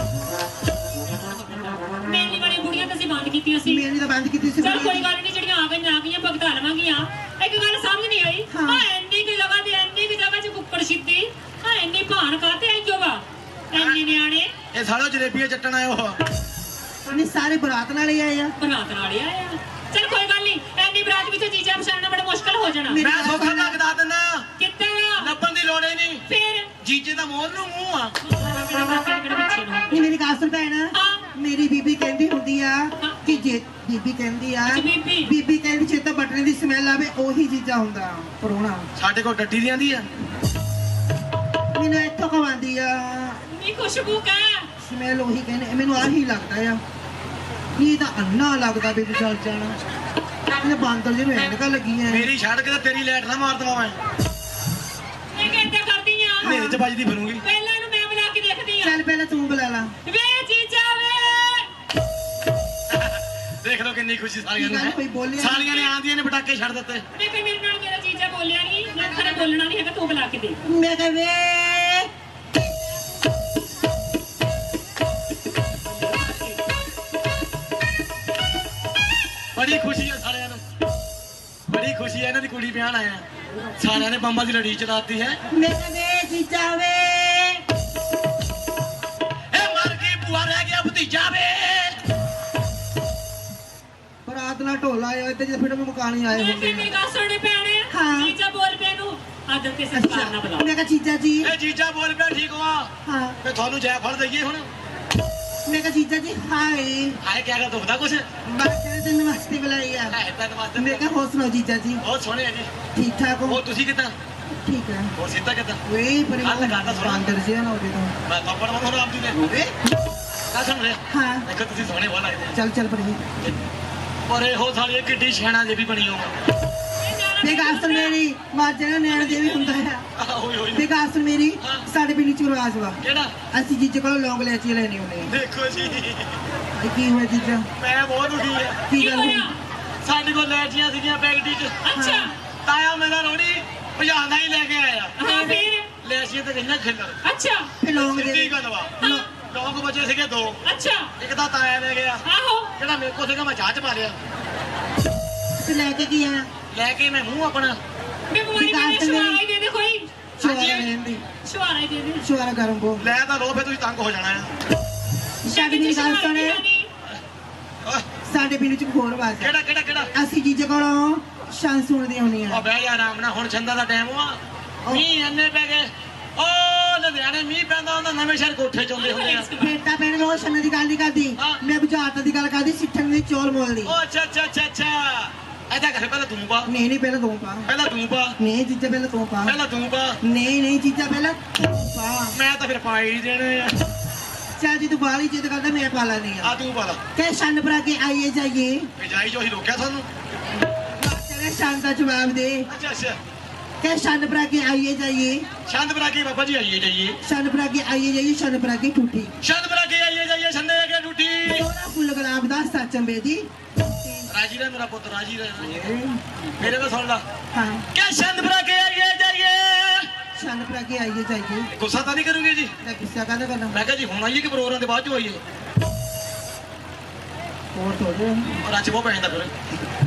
C: ਮੇਲੀ ਵਾਲੀ ਬੁੜੀਆਂ ਤਾਂ ਅਸੀਂ ਬੰਦ ਕੀਤੀਆਂ ਸੀ
D: ਮੇਰੀ ਤਾਂ ਬੰਦ ਕੀਤੀ ਸੀ
C: ਚਲ ਕੋਈ ਗੱਲ ਨਹੀਂ ਜਿਹੜੀਆਂ ਆ ਗਈਆਂ ਆ ਗਈਆਂ ਭਗਤਾ ਲਵਾਂਗੀਆਂ ਇੱਕ ਗੱਲ ਸਮਝ ਨਹੀਂ ਆਈ
D: ਹਾਂ।
C: ਹਾਂ ਇੰਨੀ ਕਿ ਜਗ੍ਹਾ ਤੇ ਇੰਨੀ ਕਿ ਜਗ੍ਹਾ 'ਚ ਕੁੱਕੜ ਛਿੱਤੀ ਹਾਂ ਇੰਨੀ ਭਾਣ ਕਾਤੇ ਆਈ ਜੋਗਾ ਇੰਨੇ ਨਿਆਣੇ
B: ਇਹ ਸਾਲਿਓ ਜਲੇਬੀਆਂ ਚੱਟਣ ਆਏ ਹੋ
D: ਉਹਨੇ ਸਾਰੇ ਬਰਾਤ ਨਾਲ ਹੀ ਆਏ ਆ
C: ਬਰਾਤ ਨਾਲ ਹੀ ਆਏ ਆ ਚਲ ਕੋਈ ਗੱਲ ਨਹੀਂ ਐਨੀ ਬਰਾਤ ਵਿੱਚ ਜੀਜਾ ਪਛਾਣਨਾ ਬੜਾ ਮੁਸ਼ਕਲ ਹੋ ਜਾਣਾ
D: ਮੇਰੀ
B: ਮੈਂ
D: ਗੱਲ
B: ਸੌਖਾ
D: ਸੁਣ।
B: ਲੱਗਦਾ ਦਿੰਦਾ
C: ਕਿੱਥੇ ਆ
B: ਲੱਭਣ ਦੀ ਲੋੜ ਹੀ ਨਹੀਂ
C: ਫਿਰ
B: ਜੀਜੇ ਦਾ ਮੋਰ ਨੂੰ ਮੂੰਹ ਆ
C: ਮੇਰੇ ਮਾਪੇ ਕਿਹੜੇ ਬੱਚੇ ਨੂੰ
D: ਨਹੀਂ ਮੇਰੀ ਗੱਲ ਸੁਣ ਭੈਣ
C: ਹਾਂ।
D: ਮੇਰੀ ਬੀਬੀ ਕਹਿੰਦੀ ਹੁੰਦੀ ਆ ਕਿ ਜੇ ਬੀਬੀ ਕਹਿੰਦੀ ਆ
C: ਅੱਛਾ, ਬੀਬੀ।
D: ਬੀਬੀ ਕਹਿੰਦੀ ਜੇ ਤਾਂ ਬਟਨੇ ਦੀ ਸਮੈਲ ਆਵੇ ਉਹੀ ਚੀਜ਼ਾਂ ਹੁੰਦਾ ਪਰੋਣਾ
B: ਸਾਡੇ ਕੋਲ ਡੱਡੀ ਦੀ ਆਂਦੀ ਆ
D: ਮੈਨੂੰ ਇੱਥੋਂ ਕਵਾਂਦੀ ਆ
C: ਨਹੀਂ ਖੁਸ਼ਬੂ ਕਾ
D: ਸਮੈਲ ਉਹੀ ਕਹਿੰਦੇ ਮੈਨੂੰ ਆਹੀ ਲੱਗਦਾ ਆ ਇਹ ਤਾਂ ਅੰਨਾ ਲੱਗਦਾ ਵੀ ਤੂੰ ਚੱਲ ਜਾਣਾ ਇਹ ਬਾਂਦਰ ਜਿਹਨੂੰ ਐਨਕਾਂ ਲੱਗੀਆਂ ਆ।
B: ਮੇਰੀ ਛੱਡ ਕੇ ਤੇ ਤੇਰੀ ਲੈਟ ਨਾ ਮਾਰ ਦਵਾਂ ਮੈਂ
C: ਮੈਂ ਕਹਿੰਦਾ ਕਰਦੀ ਆ
B: ਹਨੇਰੇ ਚ ਵੱਜਦੀ ਫਿਰੂੰਗੀ
C: ਪਹਿਲਾਂ ਨੂੰ ਮੈਂ ਬੁਲਾ ਕੇ ਦੇਖਦੀ ਆ
D: ਚੱਲ ਪਹਿਲਾਂ ਤੂੰ ਬੁਲਾ ਲਾ
C: ਵੇ ਜੀਜਾ ਵੇ
B: ਦੇਖ ਲਓ ਕਿੰਨੀ ਖੁਸ਼ੀ ਸਾਲੀਆਂ
D: ਕੀ
B: ਨੂੰ
D: ਗੱਲ
B: ਹੈ
D: ਕੋਈ ਬੋਲਿਆ
B: ਸਾਲੀਆਂ ਨੇ ਆਂਦੀਆਂ ਨੇ ਪਟਾਕੇ ਛੱਡ ਦਿੱਤੇ
C: ਮੈਂ ਕਿ ਮੇਰੇ ਨਾਲ ਮੇਰਾ ਜੀਜਾ ਬੋਲਿਆ ਨਹੀਂ ਮੈਂ ਖਰੇ ਬੋਲਣਾ ਨਹੀਂ ਹੈਗਾ ਤੂੰ ਬੁਲਾ ਕੇ ਦੇ
D: ਮੈਂ ਕਹੇ ਵੇ
B: ਬੜੀ ਖੁਸ਼ੀ ਹੈ ਸਾਲਿਆਂ ਨੂੰ ਬੜੀ ਖੁਸ਼ੀ ਹੈ ਇਹਨਾਂ ਦੀ ਕੁੜੀ ਵਿਆਹਣ ਆਇਆ ਸਾਲਿਆਂ ਨੇ ਬੰਬਾਂ ਦੀ ਲੜੀ ਚਲਾਤੀ ਹੈ
D: ਮੈਂ ਕਹੇ ਵੇ ਜੀਜਾ ਵੇ
B: ਇਹ ਮਰ ਗਈ ਭੂਆ ਰਹਿ ਗਿਆ ਭਤੀਜਾ ਵੇ
D: ਬਰਾਤ ਨਾਲ ਢੋਲਾ ਆਇਆ ਤੇ ਜੇ ਫਿਰ ਮਕਾਨੀ ਆਏ
C: ਮੈਂ
D: ਹੁੰਦੇ
C: ਕਿ ਮੇਰੀ ਗੱਲ ਸੁਣਨੇ ਪੈਣੇ
D: ਹਾਂ।
C: ਜੀਜਾ ਬੋਲ ਪਿਆ ਨੂੰ ਆਦਰ ਤੇ ਸਤਿਕਾਰ ਨਾਲ ਬੁਲਾ
D: ਮੈਂ ਕਹਾ ਜੀਜਾ ਜੀ
B: ਇਹ ਜੀਜਾ ਬੋਲ ਪਿਆ ਠੀਕ ਵਾ
D: ਹਾਂ
B: ਤੇ ਤੁਹਾਨੂੰ ਜੈ ਫੜ ਦਈਏ ਹੁਣ
D: ਮੈਂ ਕਹਾ ਜੀਜਾ ਜੀ ਹਾਏ
B: ਹਾਏ ਕਿਆ ਕਰ ਦੁਖਦਾ ਕੁਛ
D: ਮੈਂ ਕਹਿੰਦੇ ਤੈਨੂੰ ਵਾਸਤੇ ਬੁਲਾਈ ਆ
B: ਹਾਏ ਧੰਨਵਾਦ
D: ਮੈਂ ਕਹਾ ਹੋਰ ਸੁਣਾਓ ਜੀਜਾ ਜੀ
B: ਬਹੁਤ ਸੋਹਣੇ ਆ ਜੀ
D: ਠੀਕ ਠਾਕ ਹੋ
B: ਉਹ ਤੁਸੀਂ ਕਿੱਦਾਂ
D: ਠੀਕ ਹੈ
B: ਹੋਰ ਸਿੱਧਾ ਕਿੱਦਾਂ
D: ਵੇ ਪਰ
B: ਆਹ ਲਗਾ ਤਾ ਥੋੜ੍ਹਾ।
D: ਬਾਂਦਰ ਜਿਹਾ ਨਾ ਹੋਵੇ ਤਾਂ
B: ਮੈਂ ਥੱਪੜ ਮਾਰੋ ਆਪ ਜੀ ਨੇ
D: ਵੇ
B: ਕਾ ਸੁਣ ਰਿਹਾ
D: ਹਾਂ
B: ਦੇਖੋ ਤੁਸੀਂ ਸੋਹਣੇ ਬਹੁਤ ਲੱਗਦੇ
D: ਚੱਲ ਚੱਲ ਪਰ
B: ਪਰ ਇਹੋ ਸਾਲੀ ਕਿੱਡੀ ਸ਼ੈਣਾ ਜੇ ਵੀ ਬਣੀ ਹੋ
D: ਮੈਂ ਕਹਾ ਅਸਲ ਮੇਰੀ ਮਾਜਣਾ ਨੈਣ ਦੇ ਵੀ ਹੁੰਦਾ ਆ
B: ਹੋਈ ਹੋਈ
D: ਮੈਂ ਕਹਾ ਅਸਲ ਮੇਰੀ
B: ਹਾਂ।
D: ਸਾਡੇ ਪਿੰਡ ਚ ਰਿਵਾਜ ਵਾ
B: ਕਿਹੜਾ
D: ਅਸੀਂ ਜੀਜੇ ਕੋਲੋਂ ਲੌਂਗ ਲੈਚੀ ਲੈਣੀ ਹੁੰਦੇ ਆ
B: ਦੇਖੋ ਜੀ
D: ਇਹ ਕੀ ਹੋਇਆ ਜੀਜਾ
B: ਮੈਂ ਬਹੁਤ ਦੁਖੀ ਆ
D: ਕੀ
C: ਕੀ
D: ਗੱਲ ਹੋਈ
C: ਹੋਇਆ
B: ਸਾਡੇ ਕੋਲ ਲੈਚੀਆਂ ਸੀਗੀਆਂ ਪੈਕਟੀ ਚ
C: ਅੱਛਾ
B: ਤਾਇਆ ਮੇਰਾ ਰੋੜੀ ਭਜਾਉਂਦਾ ਹੀ ਲੈ ਕੇ ਆਇਆ
C: ਹਾਂ ਫਿਰ
B: ਲੈਚੀਆਂ ਤੇ ਗਈਆਂ ਖਿੱਲਰ
C: ਅੱਛਾ
D: ਫੇ ਲੌਂਗ
B: ਸਿੱਧੀ
D: ਦੇ
B: ਗੱਲ ਵਾ
C: ਹਾਂ।
B: ਲੋਕ ਬਚੇ ਸੀਗੇ ਦੋ
C: ਅੱਛਾ
B: ਇੱਕ ਤਾਂ ਤਾਇਆ ਲੈ ਗਿਆ
C: ਆਹੋ
B: ਜਿਹੜਾ ਮੇਰੇ ਕੋਲ ਸੀਗਾ ਮੈਂ ਚਾਹ ਚ ਪਾ ਲਿਆ
D: ਤੇ ਲੈ ਕੇ ਕੀ ਆਇਆ
B: ਲੈ ਕੇ ਮੈਂ ਮੂੰਹ ਆਪਣਾ
C: ਮੈਂ ਬਿਮਾਰੀ
D: ਵਿਕਾਸ
C: ਮੈਨੂੰ
D: ਮੇਰੀ-
C: ਸ਼ਵਾਰਾ ਹੀ ਦੇ ਦੇ ਕੋਈ
D: ਸ਼ੁਆਰਾ ਰਹਿਣ ਦੀ
C: ਸ਼ਵਾਰਾ ਹੀ ਦੇ ਦੇ
D: ਸ਼ੁਆਰਾ ਗਰਮ ਕੋ
B: ਲੈ ਤਾਂ ਰੋ ਫੇ ਤੁਸੀਂ ਤੰਗ ਹੋ ਜਾਣਾ ਆ
D: ਸਾਡੇ ਮੇਰੀ ਗੱਲ ਸੁਣ
C: ਨਹੀਂ
B: ਓਏ,
D: ਸਾਡੇ ਪਿੰਡ ਚ ਹੋਰ ਵਾਜ
B: ਕਿਹੜਾ ਕਿਹੜਾ ਕਿਹੜਾ
D: ਅਸੀਂ ਜੀਜੇ ਕੋਲੋਂ ਸ਼ਾਨ ਸੁਣਦੀਆਂ
B: ਉਹ
D: ਹੁੰਦੀਆਂ
B: ਬਹਿ ਜਾ ਆਰਾਮ ਨਾਲ ਹੁਣ ਛੰਦਾ ਦਾ ਟਾਈਮ ਆ ਮੀਂਹ ਇੰਨੇ ਪੈ ਗਏ ਓ ਲੁਧਿਆਣੇ ਮੀਂਹ ਪੈਂਦਾ ਹੁੰਦਾ ਨਵੇਂ ਸ਼ਹਿਰ ਕੋਠੇ ਚੋਂਦੇ ਹੁੰਦੇ ਆ
D: ਬੇਟਾ ਭੈਣ ਉਹ ਸ਼ਾਨ ਦੀ ਗੱਲ ਨਹੀਂ ਕਰਦੀ
B: ਹਾਂ।
D: ਮੈਂ ਬੁਝਾਰਤ ਦੀ ਗੱਲ ਕਰਦੀ ਸਿੱਠਣ ਦੀ ਚੋਲ ਮੋਲ ਦੀ
B: ਓ ਅੱਛਾ ਅੱਛਾ ਅੱਛਾ ਅੱਛਾ ਐਦਾ ਕਰ ਪਹਿਲਾਂ ਤੂੰ ਪਾ
D: ਨਹੀਂ ਨਹੀਂ ਪਹਿਲਾਂ ਤੂੰ ਪਾ
B: ਪਹਿਲਾਂ ਤੂੰ ਪਾ
D: ਨਹੀਂ ਜੀਜਾ ਪਹਿਲਾਂ ਤੂੰ ਪਾ
B: ਪਹਿਲਾਂ ਤੂੰ ਪਾ
D: ਨਹੀਂ ਨਹੀਂ ਜੀਜਾ ਪਹਿਲਾਂ ਤੂੰ ਪਾ
B: ਮੈਂ ਤਾਂ ਫਿਰ ਪਾ ਹੀ ਦੇਣੇ ਆ
D: ਚੱਲ ਜੀ ਤੂੰ ਬਾਹਲੀ ਜਿੱਦ ਕਰਦਾ ਮੈਂ ਪਾ ਲੈਣੀ ਆ
B: ਆ ਤੂੰ ਪਾ ਲਾ
D: ਕਿ ਸ਼ਾਨ ਭਰਾ ਕੇ ਆਈਏ ਜਾਈਏ
B: ਭਜਾਈ ਜੋ ਹੀ ਰੋਕਿਆ ਤੁਹਾਨੂੰ
D: ਤੇਰੇ ਸ਼ਾਨ ਦਾ ਜਵਾਬ ਦੇ
B: ਅੱਛਾ ਅੱਛਾ
D: ਕਿ ਸ਼ਾਨ ਭਰਾ ਕੇ ਆਈਏ ਜਾਈਏ
B: ਛੰਦ ਬਰਾ ਕੇ ਬਾਬਾ ਜੀ ਆਈਏ ਜਾਈਏ
D: ਸ਼ਾਨ ਭਰਾ ਕੇ ਆਈਏ ਜਾਈਏ ਸ਼ਾਨ ਭਰਾ ਕੇ ਠੂਠੀ
B: ਛੰਦ ਬਰਾ ਕੇ ਆਈਏ ਜਾਈਏ ਛੰਦੇ ਅਗੇ ਟੁੱਟੀ
D: ਸੋਹਣਾ ਫੁੱਲ ਗੁਲਾਬ ਦਾ ਸੱਚੰਬੇ ਦੀ
B: ਰਾਜੀ ਰਹਿ ਮੇਰਾ ਪੁੱਤ ਰਾਜੀ ਰਹਿ ਮੇਰੇ ਕੋਲ ਸੁਣ ਲਾ
D: ਹਾਂ
B: ਕਿ ਛੰਦ ਬਰਾ ਕੇ ਆਈਏ ਜਾਈਏ
D: ਸ਼ਾਨ ਭਰਾ ਕੇ ਆਈਏ ਜਾਈਏ
B: ਗੁੱਸਾ ਤਾਂ ਨਹੀਂ ਕਰੋਗੇ ਜੀ
D: ਮੈਂ ਗੁੱਸਾ ਕਾਹਦਾ ਕਰਨਾ
B: ਮੈਂ ਕਿਹਾ ਜੀ ਹੁਣ ਆਈਏ ਕਿ ਪ੍ਰੋਗਰਾਮ ਦੇ ਬਾਅਦ ਚ ਆਈਏ
D: ਹੋਰ ਥੋੜੇ
B: ਔਰ ਅੱਜ ਬਹੁਤ ਪੈ ਜਾਂਦਾ ਫਿਰ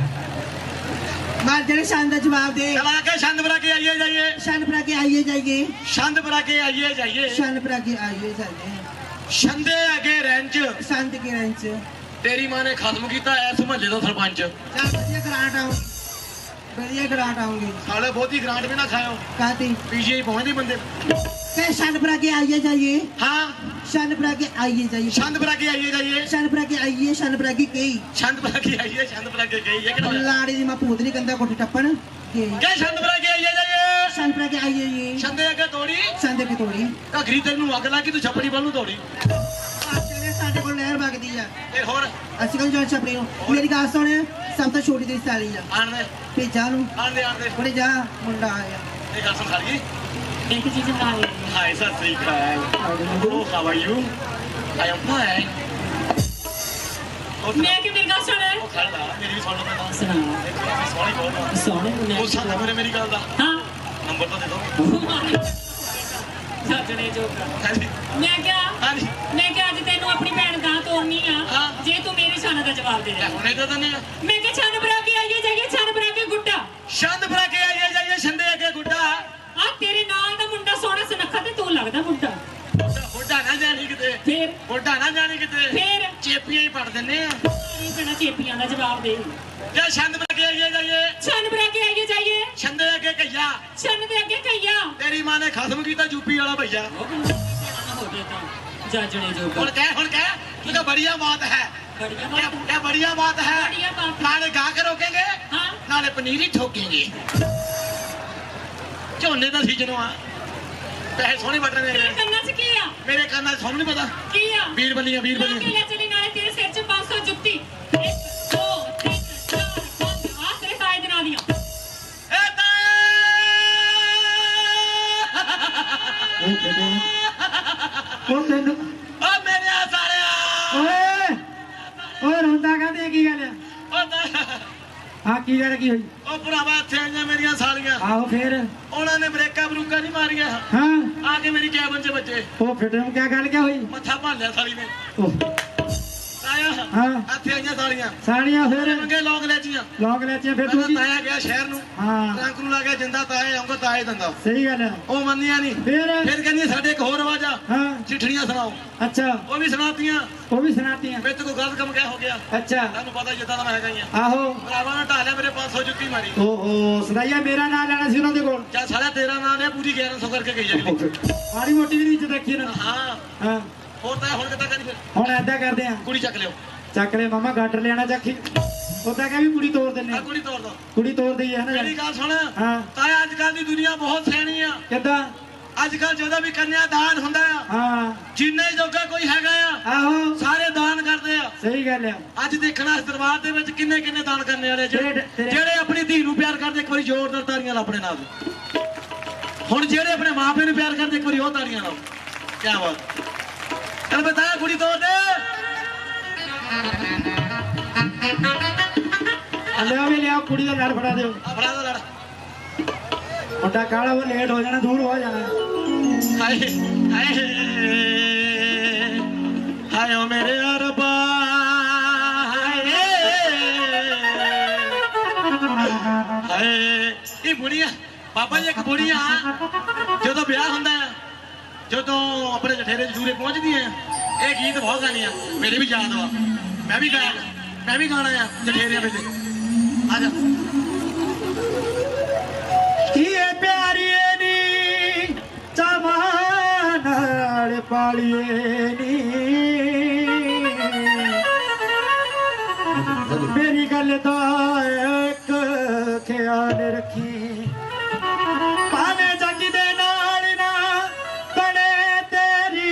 D: ਮਾਰ ਜਿਹੜੇ ਸ਼ਾਨ ਦਾ ਜਵਾਬ ਦੇ
B: ਚਲਾ ਕੇ ਛੰਦ ਬਰਾ ਕੇ ਆਈਏ ਜਾਈਏ
D: ਸ਼ਾਨ ਭਰਾ ਕੇ ਆਈਏ ਜਾਈਏ
B: ਛੰਦ ਬਰਾ ਕੇ ਆਈਏ ਜਾਈਏ
D: ਸ਼ਾਨ ਭਰਾ ਕੇ ਆਈਏ ਜਾਈਏ
B: ਛੰਦੇ ਅਗੇ ਰੈਂਚ
D: ਸ਼ਾਂਤ ਕੇ ਰੰਚ
B: ਤੇਰੀ ਮਾਂ ਨੇ ਖਤਮ ਕੀਤਾ ਐਸ ਮਹੱਲੇ ਦਾ ਸਰਪੰਚ
D: ਚੱਲ ਵਧੀਆ ਗਰਾਂਟ ਆਉਂ ਵਧੀਆ ਗਰਾਂਟ ਆਉਂਗੀ
B: ਸਾਲੇ ਬਹੁਤੀ ਗ੍ਰਾਂਟ ਵੀ ਨਾ ਖਾਇਓ
D: ਕਾਤੀ
B: ਪੀਜੀਆਈ ਪਹੁੰਚਦੇ ਬੰਦੇ
D: ਕਿ ਸ਼ਾਨ ਭਰਾ ਕੇ ਆਈਏ ਜਾਈਏ
B: ਹਾਂ
D: ਸ਼ਾਨ ਭਰਾ ਕੇ ਆਈਏ ਜਾਈਏ
B: ਛੰਦ ਬਰਾ ਕੇ ਆਈਏ ਜਾਈਏ
D: ਸ਼ਾਨ ਭਰਾ ਕੇ ਆਈਏ ਸ਼ਾਨ ਭਰਾ ਕੇ ਕਈ
B: ਛੰਦ ਬਰਾ ਕੇ ਆਈਏ ਛੰਦ ਬਰਾ ਕੇ ਗਈ ਹੈ ਕਿਹੜਾ
D: ਲਾੜੀ ਦੀ ਮਾਂ ਪੂਤ ਨਹੀਂ ਕੰਦਾ ਕੋਠੇ ਟੱਪਣ ਗਈ
B: ਕਿ ਛੰਦ ਬਰਾ ਕੇ ਆਈਏ ਜਾਈਏ
D: ਸ਼ਾਨ ਭਰਾ ਕੇ ਆਈਏ ਜੀ
B: ਛੰਦੇ ਅਗੇ ਤੋੜੀ
D: ਸ਼ਾਨ ਦੇ ਕੇ ਤੋੜੀ
B: ਘਗਰੀ ਤੈਨੂੰ ਅੱਗ ਲਾ ਕੇ ਤੂੰ ਛੱਪੜੀ ਵੱਲ ਨੂੰ ਤੋੜੀ
D: ਸਾਡੇ ਕੋਲ ਨਹਿਰ ਵਗਦੀ ਆ
B: ਫਿਰ ਹੋਰ
D: ਅਸੀਂ ਕਹਿੰਦੇ ਜੋਨ ਛਪੜੀ ਨੂੰ ਮੇਰੀ ਗੱਲ ਸੁਣ ਸਭ ਤੋਂ ਛੋਟੀ ਦੀ ਸਾਲੀ ਆ
B: ਆਣ ਦੇ
D: ਭੇਜਾ ਨੂੰ
B: ਆਣ ਦੇ ਆਣ ਦੇ
D: ਉਹਨੇ ਜਾ ਮੁੰਡਾ ਆਇਆ
B: ਇਹ ਗੱਲ ਸੁਣ ਸਾਰੀ
C: ਇੱਕ ਚੀਜ਼ ਬਣਾ ਲਈ
B: ਹਾਈ ਸਤਿ ਸ੍ਰੀ ਅਕਾਲ ਉਹ how are you I am fine
C: ਮੈਂ ਕਿ ਮੇਰੀ ਗੱਲ ਸੁਣ
B: ਉਹ ਖੜਦਾ ਮੇਰੀ ਵੀ ਸੁਣ ਲਓ ਪਹਿਲਾਂ
C: ਸੁਣਾ
B: ਸੋਹਣੀ ਬਹੁਤ ਆ
C: ਸੋਹਣੇ ਮੁੰਨੇ
B: ਉਹ ਸਾਡਾ ਮੇਰੇ ਮੇਰੀ ਗੱਲ ਦਾ
C: ਹਾਂ
B: ਨੰਬਰ ਤਾਂ ਦੇ ਦਿਓ
C: ਸੱਜਣੇ ਜੋਗਾ
B: ਹਾਂਜੀ
C: ਮੈਂ ਕਿਹਾ
B: ਹਾਂਜੀ
C: ਮੈਂ ਕਿਹਾ ਅੱਜ ਤੈਨੂੰ ਆਪਣੀ ਭੈਣ ਗਾਂ ਤੋਰਨੀ ਆ
B: ਹਾਂ।
C: ਜੇ ਤੂੰ ਮੇਰੀ ਛਾਨ ਦਾ ਜਵਾਬ ਦੇ
B: ਲੈ
C: ਦੇ
B: ਹੁਣੇ ਤਾਂ ਦਨੇ
C: ਮੈਂ ਕਿਹਾ ਛਾਨ ਬਰਾ ਕੇ ਆਈਏ ਜਾਈਏ ਛਾਨ ਬਰਾ ਕੇ ਗੁੱਡਾ
B: ਛੰਦ ਭਰਾ ਕੇ ਆਈਏ ਜਾਈਏ ਛੰਦੇ ਅੱਗੇ ਗੁੱਡਾ
C: ਆ ਤੇਰੇ ਨਾਲ ਦਾ ਮੁੰਡਾ ਸੋਹਣਾ ਸੁਨੱਖਾ ਤੇ ਤੂੰ ਲੱਗਦਾ ਮੁੰਡਾ
B: ਹੋਡਾ ਨਾ ਜਾਣੀ ਕਿਤੇ
C: ਫੇਰ
B: ਹੋਡਾ ਨਾ ਜਾਣੀ ਕਿਤੇ
C: ਫੇਰ
B: ਚੇਪੀਆਂ ਹੀ ਪੜ ਦਿੰਨੇ ਆ
C: ਇਹ ਬਿਨਾ ਚੇਪੀਆਂ ਦਾ ਜਵਾਬ ਦੇ
B: ਜੇ ਛੰਦ ਭਰਾ ਕੇ ਆਈਏ ਜਾਈਏ
C: ਛਾਨ ਬਰਾ ਕੇ ਆਈਏ ਜਾਈਏ
B: ਛੰਦੇ ਅੱਗੇ ਕਈਆ
C: ਛੰਨ ਦੇ ਅੱਗੇ ਕਈਆ
B: ਤੇਰੀ ਮਾਂ ਨੇ ਖਸਮ ਕੀਤਾ ਯੂਪੀ ਵਾਲਾ ਭਈਆ
C: ਹੋ ਗਏ ਤਾਂ ਜਾਜਣੇ ਜੋਗਾ
B: ਹੁਣ ਕਹਿ ਹੁਣ ਕਹਿ ਤੂੰ ਤਾਂ ਬੜੀਆ ਬਾਤ ਹੈ
C: ਬੜੀਆਂ
B: क्या
C: ਬਾਤ
B: क्या बढ़िया बात है
C: बढ़िया बात है।
B: नाले गा के रोकेंगे
C: हाँ
B: नाले पनीर ही ठोकेंगे झोने का सीजन आ पैसे सोहने बटन
C: ਤੇਰੇ
B: मेरे
C: ਕੰਨਾਂ 'ਚ ਕੀ ਆ
B: मेरे कान सोनू नहीं पता
C: ਕੀ ਆ
B: बीर बलियां बीर
C: ਲਾ ਕੇ
B: बलियां
C: ਲੈ ਚਲੀ ਨਾਲੇ ਤੇਰੇ ਸਿਰ 'ਚ ਪੰਜ ਸੌ ਜੁੱਤੀ ਇੱਕ ਦੋ ਤਿੰਨ ਚਾਰ ਪੰਜ ਆ ਤੇਰੇ ਤਾਏ ਦੇ ਨਾਂ ਦੀਆਂ
B: ए ताया
A: ਉਹ ਤੈਨੂੰ
B: ओ मेरे आ साले
A: ਓਏ ਓਏ ਰੋਂਦਾ ਕਹਿੰਦੇ ਕੀ ਗੱਲ ਆ
B: ओ ताया
A: ਹਾਂ ਕੀ ਗੱਲ ਕੀ ਹੋਈ
B: ओ भरावा इत्थे आईयां मेरियां सालियां
A: ਆਹੋ ਫੇਰ
B: ਉਹਨਾਂ ਨੇ ਬ੍ਰੇਕਾਂ ਬਰੂਕਾਂ ਨਹੀਂ ਮਾਰੀਆਂ
A: ਹਾਂ
B: ਆ ਕੇ ਮੇਰੀ ਕੈਬਨ 'ਚ ਬੱਚੇ
A: ਉਹ ਫਿੱਟ ਨੂੰ ਕਿਆ ਗੱਲ ਕਿਆ ਹੋਈ
B: ਮੱਥਾ ਭਾਲਿਆ ਸਾਲੀ ਨੇ
A: ਉਹ
B: ਤਾਇਆ
A: ਹਾਂ
B: ਇੱਥੇ ਆਈਆਂ ਸਾਲੀਆਂ
A: ਸਾੜੀਆਂ ਫੇਰ
B: ਮੰਗੇ ਲੋਕ ਲੈਚੀਆਂ
A: ਲੋਕ ਲੈਚੀਆਂ ਫਿਰ ਤੂੰ
B: ਮੈਂ
A: ਕੀ
B: ਤਾਇਆ ਗਿਆ ਸ਼ਹਿਰ ਨੂੰ
A: ਹਾਂ
B: ਟਰੰਕ ਨੂੰ ਲਾ ਕੇ ਜਿੰਦਾ ਤਾਏ ਆਉਂਗਾ ਤਾਏ ਦੰਦਾ
A: ਸਹੀ ਗੱਲ ਹੈ
B: ਉਹ ਮੰਨੀਆਂ ਨਹੀਂ
A: ਫੇਰ
B: ਫਿਰ ਕਹਿੰਦੀ ਸਾਡੇ ਇੱਕ ਹੋਰ ਆਵਾਜ਼ ਆ
A: ਹਾਂ
B: ਚਿੱਠੜੀਆਂ ਸੁਣਾਓ
A: ਅੱਛਾ
B: ਉਹ ਵੀ ਸੁਣਾਤੀਆਂ
A: ਉਹ ਵੀ ਸੁਣਾਤੀਆਂ
B: ਵਿੱਚ ਕੋਈ ਗਲਤ ਕੰਮ ਕਿਆ ਹੋ ਗਿਆ
A: ਅੱਛਾ
B: ਤੁਹਾਨੂੰ ਪਤਾ ਜਿੱਦਾਂ ਦਾ ਮੈਂ ਹੈਗਾ ਹੀ ਆ
A: ਆਹੋ
B: ਭਰਾਵਾਂ ਨੇ ਢਾਲਿਆ ਮੇਰੇ ਪੰਜ ਸੌ ਜੁੱਤੀ ਮਾਰੀ
A: ਓਹੋ ਸਦਾਈਆ ਮੇਰਾ ਨਾਂ ਲੈਣਾ ਸੀ ਉਹਨਾਂ ਦੇ ਕੋਲ
B: ਚੱਲ ਸਾਲਾ ਤੇਰਾ ਨਾਂ ਲਿਆ ਪੂਰੀ ਗਿਆਰਾਂ ਸੌ ਕਰਕੇ ਗਈ ਜਾਂਦੀ
A: ਮਾੜੀ ਮੋਟੀ ਵੀ ਨਹੀਂ ਇੱਜ਼ਤ ਰੱਖੀ ਨਾ
B: ਹਾਂ
A: ਹਾਂ
B: ਹੋਰ ਤਾਂ ਹੁਣ ਕਿੱਦਾਂ ਕਰੀ ਫਿਰ
A: ਹੁਣ ਏਦਾਂ ਕਰਦੇ ਆ
B: ਕੁੜੀ ਚੱਕ ਲਿਓ
A: ਚੱਕ ਲੈ ਮਾਮਾ ਗਾਡਰ ਲਿਆਣਾ ਚੱਕੀ ਉਦਾਂ ਕਹਿ ਵੀ ਕੁੜੀ ਤੋੜ ਦਿੰਨੇ
B: ਆ
A: ਆ।
B: ਕੁੜੀ ਤੋੜ ਦੋ
A: ਕੁੜੀ ਤੋੜ ਦਈ ਹੈ ਨਾ
B: ਮੇਰੀ ਗੱਲ ਸੁਣ
A: ਹਾਂ
B: ਤਾਂ ਅੱਜ ਕੱਲ ਦੀ ਦੁਨੀਆ ਬਹੁਤ ਸਿਆਣੀ ਆ
A: ਕਿੱਦਾਂ
B: ਅੱਜ ਕੱਲ ਜਦੋਂ ਵੀ ਕੰਨਿਆ ਦਾਨ ਹੁੰਦਾ ਆ
A: ਹਾਂ
B: ਜਿੰਨੇ ਜੋਗਾ ਕੋਈ ਹੈਗਾ ਆ
A: ਆਹੋ
B: ਸਾਰੇ ਦਾਨ ਕਰਦੇ ਆ
A: ਸਹੀ ਗੱਲ ਆ
B: ਅੱਜ ਦੇਖਣਾ ਇਸ ਦਰਬਾਰ ਦੇ ਵਿੱਚ ਕਿੰਨੇ ਕਿੰਨੇ ਦਾਨ ਕਰਨੇ ਵਾਲੇ ਜਿਹੜੇ
A: ਤੇਰੇ- ਤੇਰੇ-
B: ਜਿਹੜੇ ਆਪਣੀ ਧੀ ਨੂੰ ਪਿਆਰ ਕਰਦੇ ਇੱਕ ਵਾਰੀ ਜ਼ੋਰਦਾਰ ਤਾੜੀਆਂ ਲਾ ਆਪਣੇ ਨਾਲ ਹੁਣ ਜਿਹੜੇ ਆਪਣੇ ਮਾਪੇ ਨੂੰ ਪਿਆਰ ਕਰਦੇ ਇੱਕ ਵਾਰੀ ਉਹ ਤਾੜੀਆਂ ਲਾਓ ਕੀ ਬਾਤ ਚੱਲ ਬਤਾ ਕੁੜੀ ਤੋੜ ਦੇ
A: ਲਿਆ ਵੀ ਲਿਆ ਕੁੜੀ ਦਾ ਲੜ ਫੜਾ ਦਿਓ
B: ਆ ਫੜਾ ਦੋ ਲੜ
A: ਮੁੰਡਾ ਕਾਲਾ ਉਹ ਲੇਟ ਹੋ ਜਾਣਾ ਦੂਰ ਹੋ ਜਾਣਾ
B: ਹਾਏ ਹਾਏ ਹਾਏ ਓ ਮੇਰੇ ਰੱਬਾ ਹਾਏ ਹਾਏ ਇਹ ਬੁੜੀਆਂ ਬਾਬਾ ਜੀ ਇੱਕ ਬੁੜੀਆਂ ਜਦੋਂ ਵਿਆਹ ਹੁੰਦਾ ਹੈ ਜਦੋਂ ਆਪਣੇ ਜਠੇਰੇ ਜੂਰੇ ਪਹੁੰਚਦੀਆਂ ਇਹ ਗੀਤ ਬਹੁਤ ਗਾਣੇ ਆ ਮੇਰੇ ਵੀ ਯਾਦ ਵਾ ਮੈਂ ਵੀ ਗਾਇਆ ਮੈਂ ਵੀ ਗਾਣਾ ਆ ਜਠੇਰਿਆਂ ਵਿੱਚ ਆ ਜਾ
A: ਕੀ ਇਹ ਪਿਆਰੀਏ ਨੀ ਚਾਵਾਂ ਨਾਲ ਪਾਲੀਏ ਨੀ ਮੇਰੀ ਗੱਲ ਦਾ ਇੱਕ ਖਿਆਲ ਰੱਖੀ ਭਾਵੇਂ ਜੱਗ ਦੇ ਨਾਲ ਨਾ ਬਣੇ ਤੇਰੀ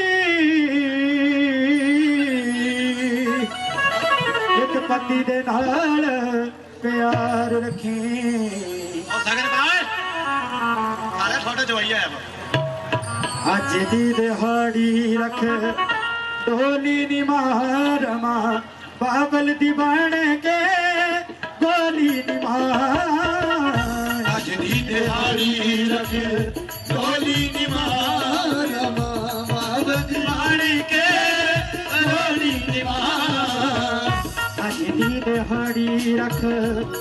A: ਇੱਕ ਪਤੀ ਦੇ ਨਾਲ ਪਿਆਰ ਰੱਖੀ
B: ਉਹ ਸਗਨ ਬਾਏ ਆਲੇ ਤੁਹਾਡਾ ਜਵਾਈ ਆਇਆ ਵਾ
A: ਅੱਜ ਦੀ ਦਿਹਾੜੀ ਰੱਖ ਢੋਲੀ ਨੀ ਮਾਰਮਾ ਬਾਬਲ ਦੀ ਬਣ ਕੇ ਗੋਲੀ ਨੀ ਮਾਰ
B: ਅੱਜ ਦੀ ਦਿਹਾੜੀ ਰੱਖ ਢੋਲੀ ਨੀ ਮਾਰਮਾ ਬਾਬਲ ਦੀ ਬਣ ਕੇ ਗੋਲੀ ਨੀ ਮਾਰ
A: ਅੱਜ ਦੀ ਦਿਹਾੜੀ ਰੱਖ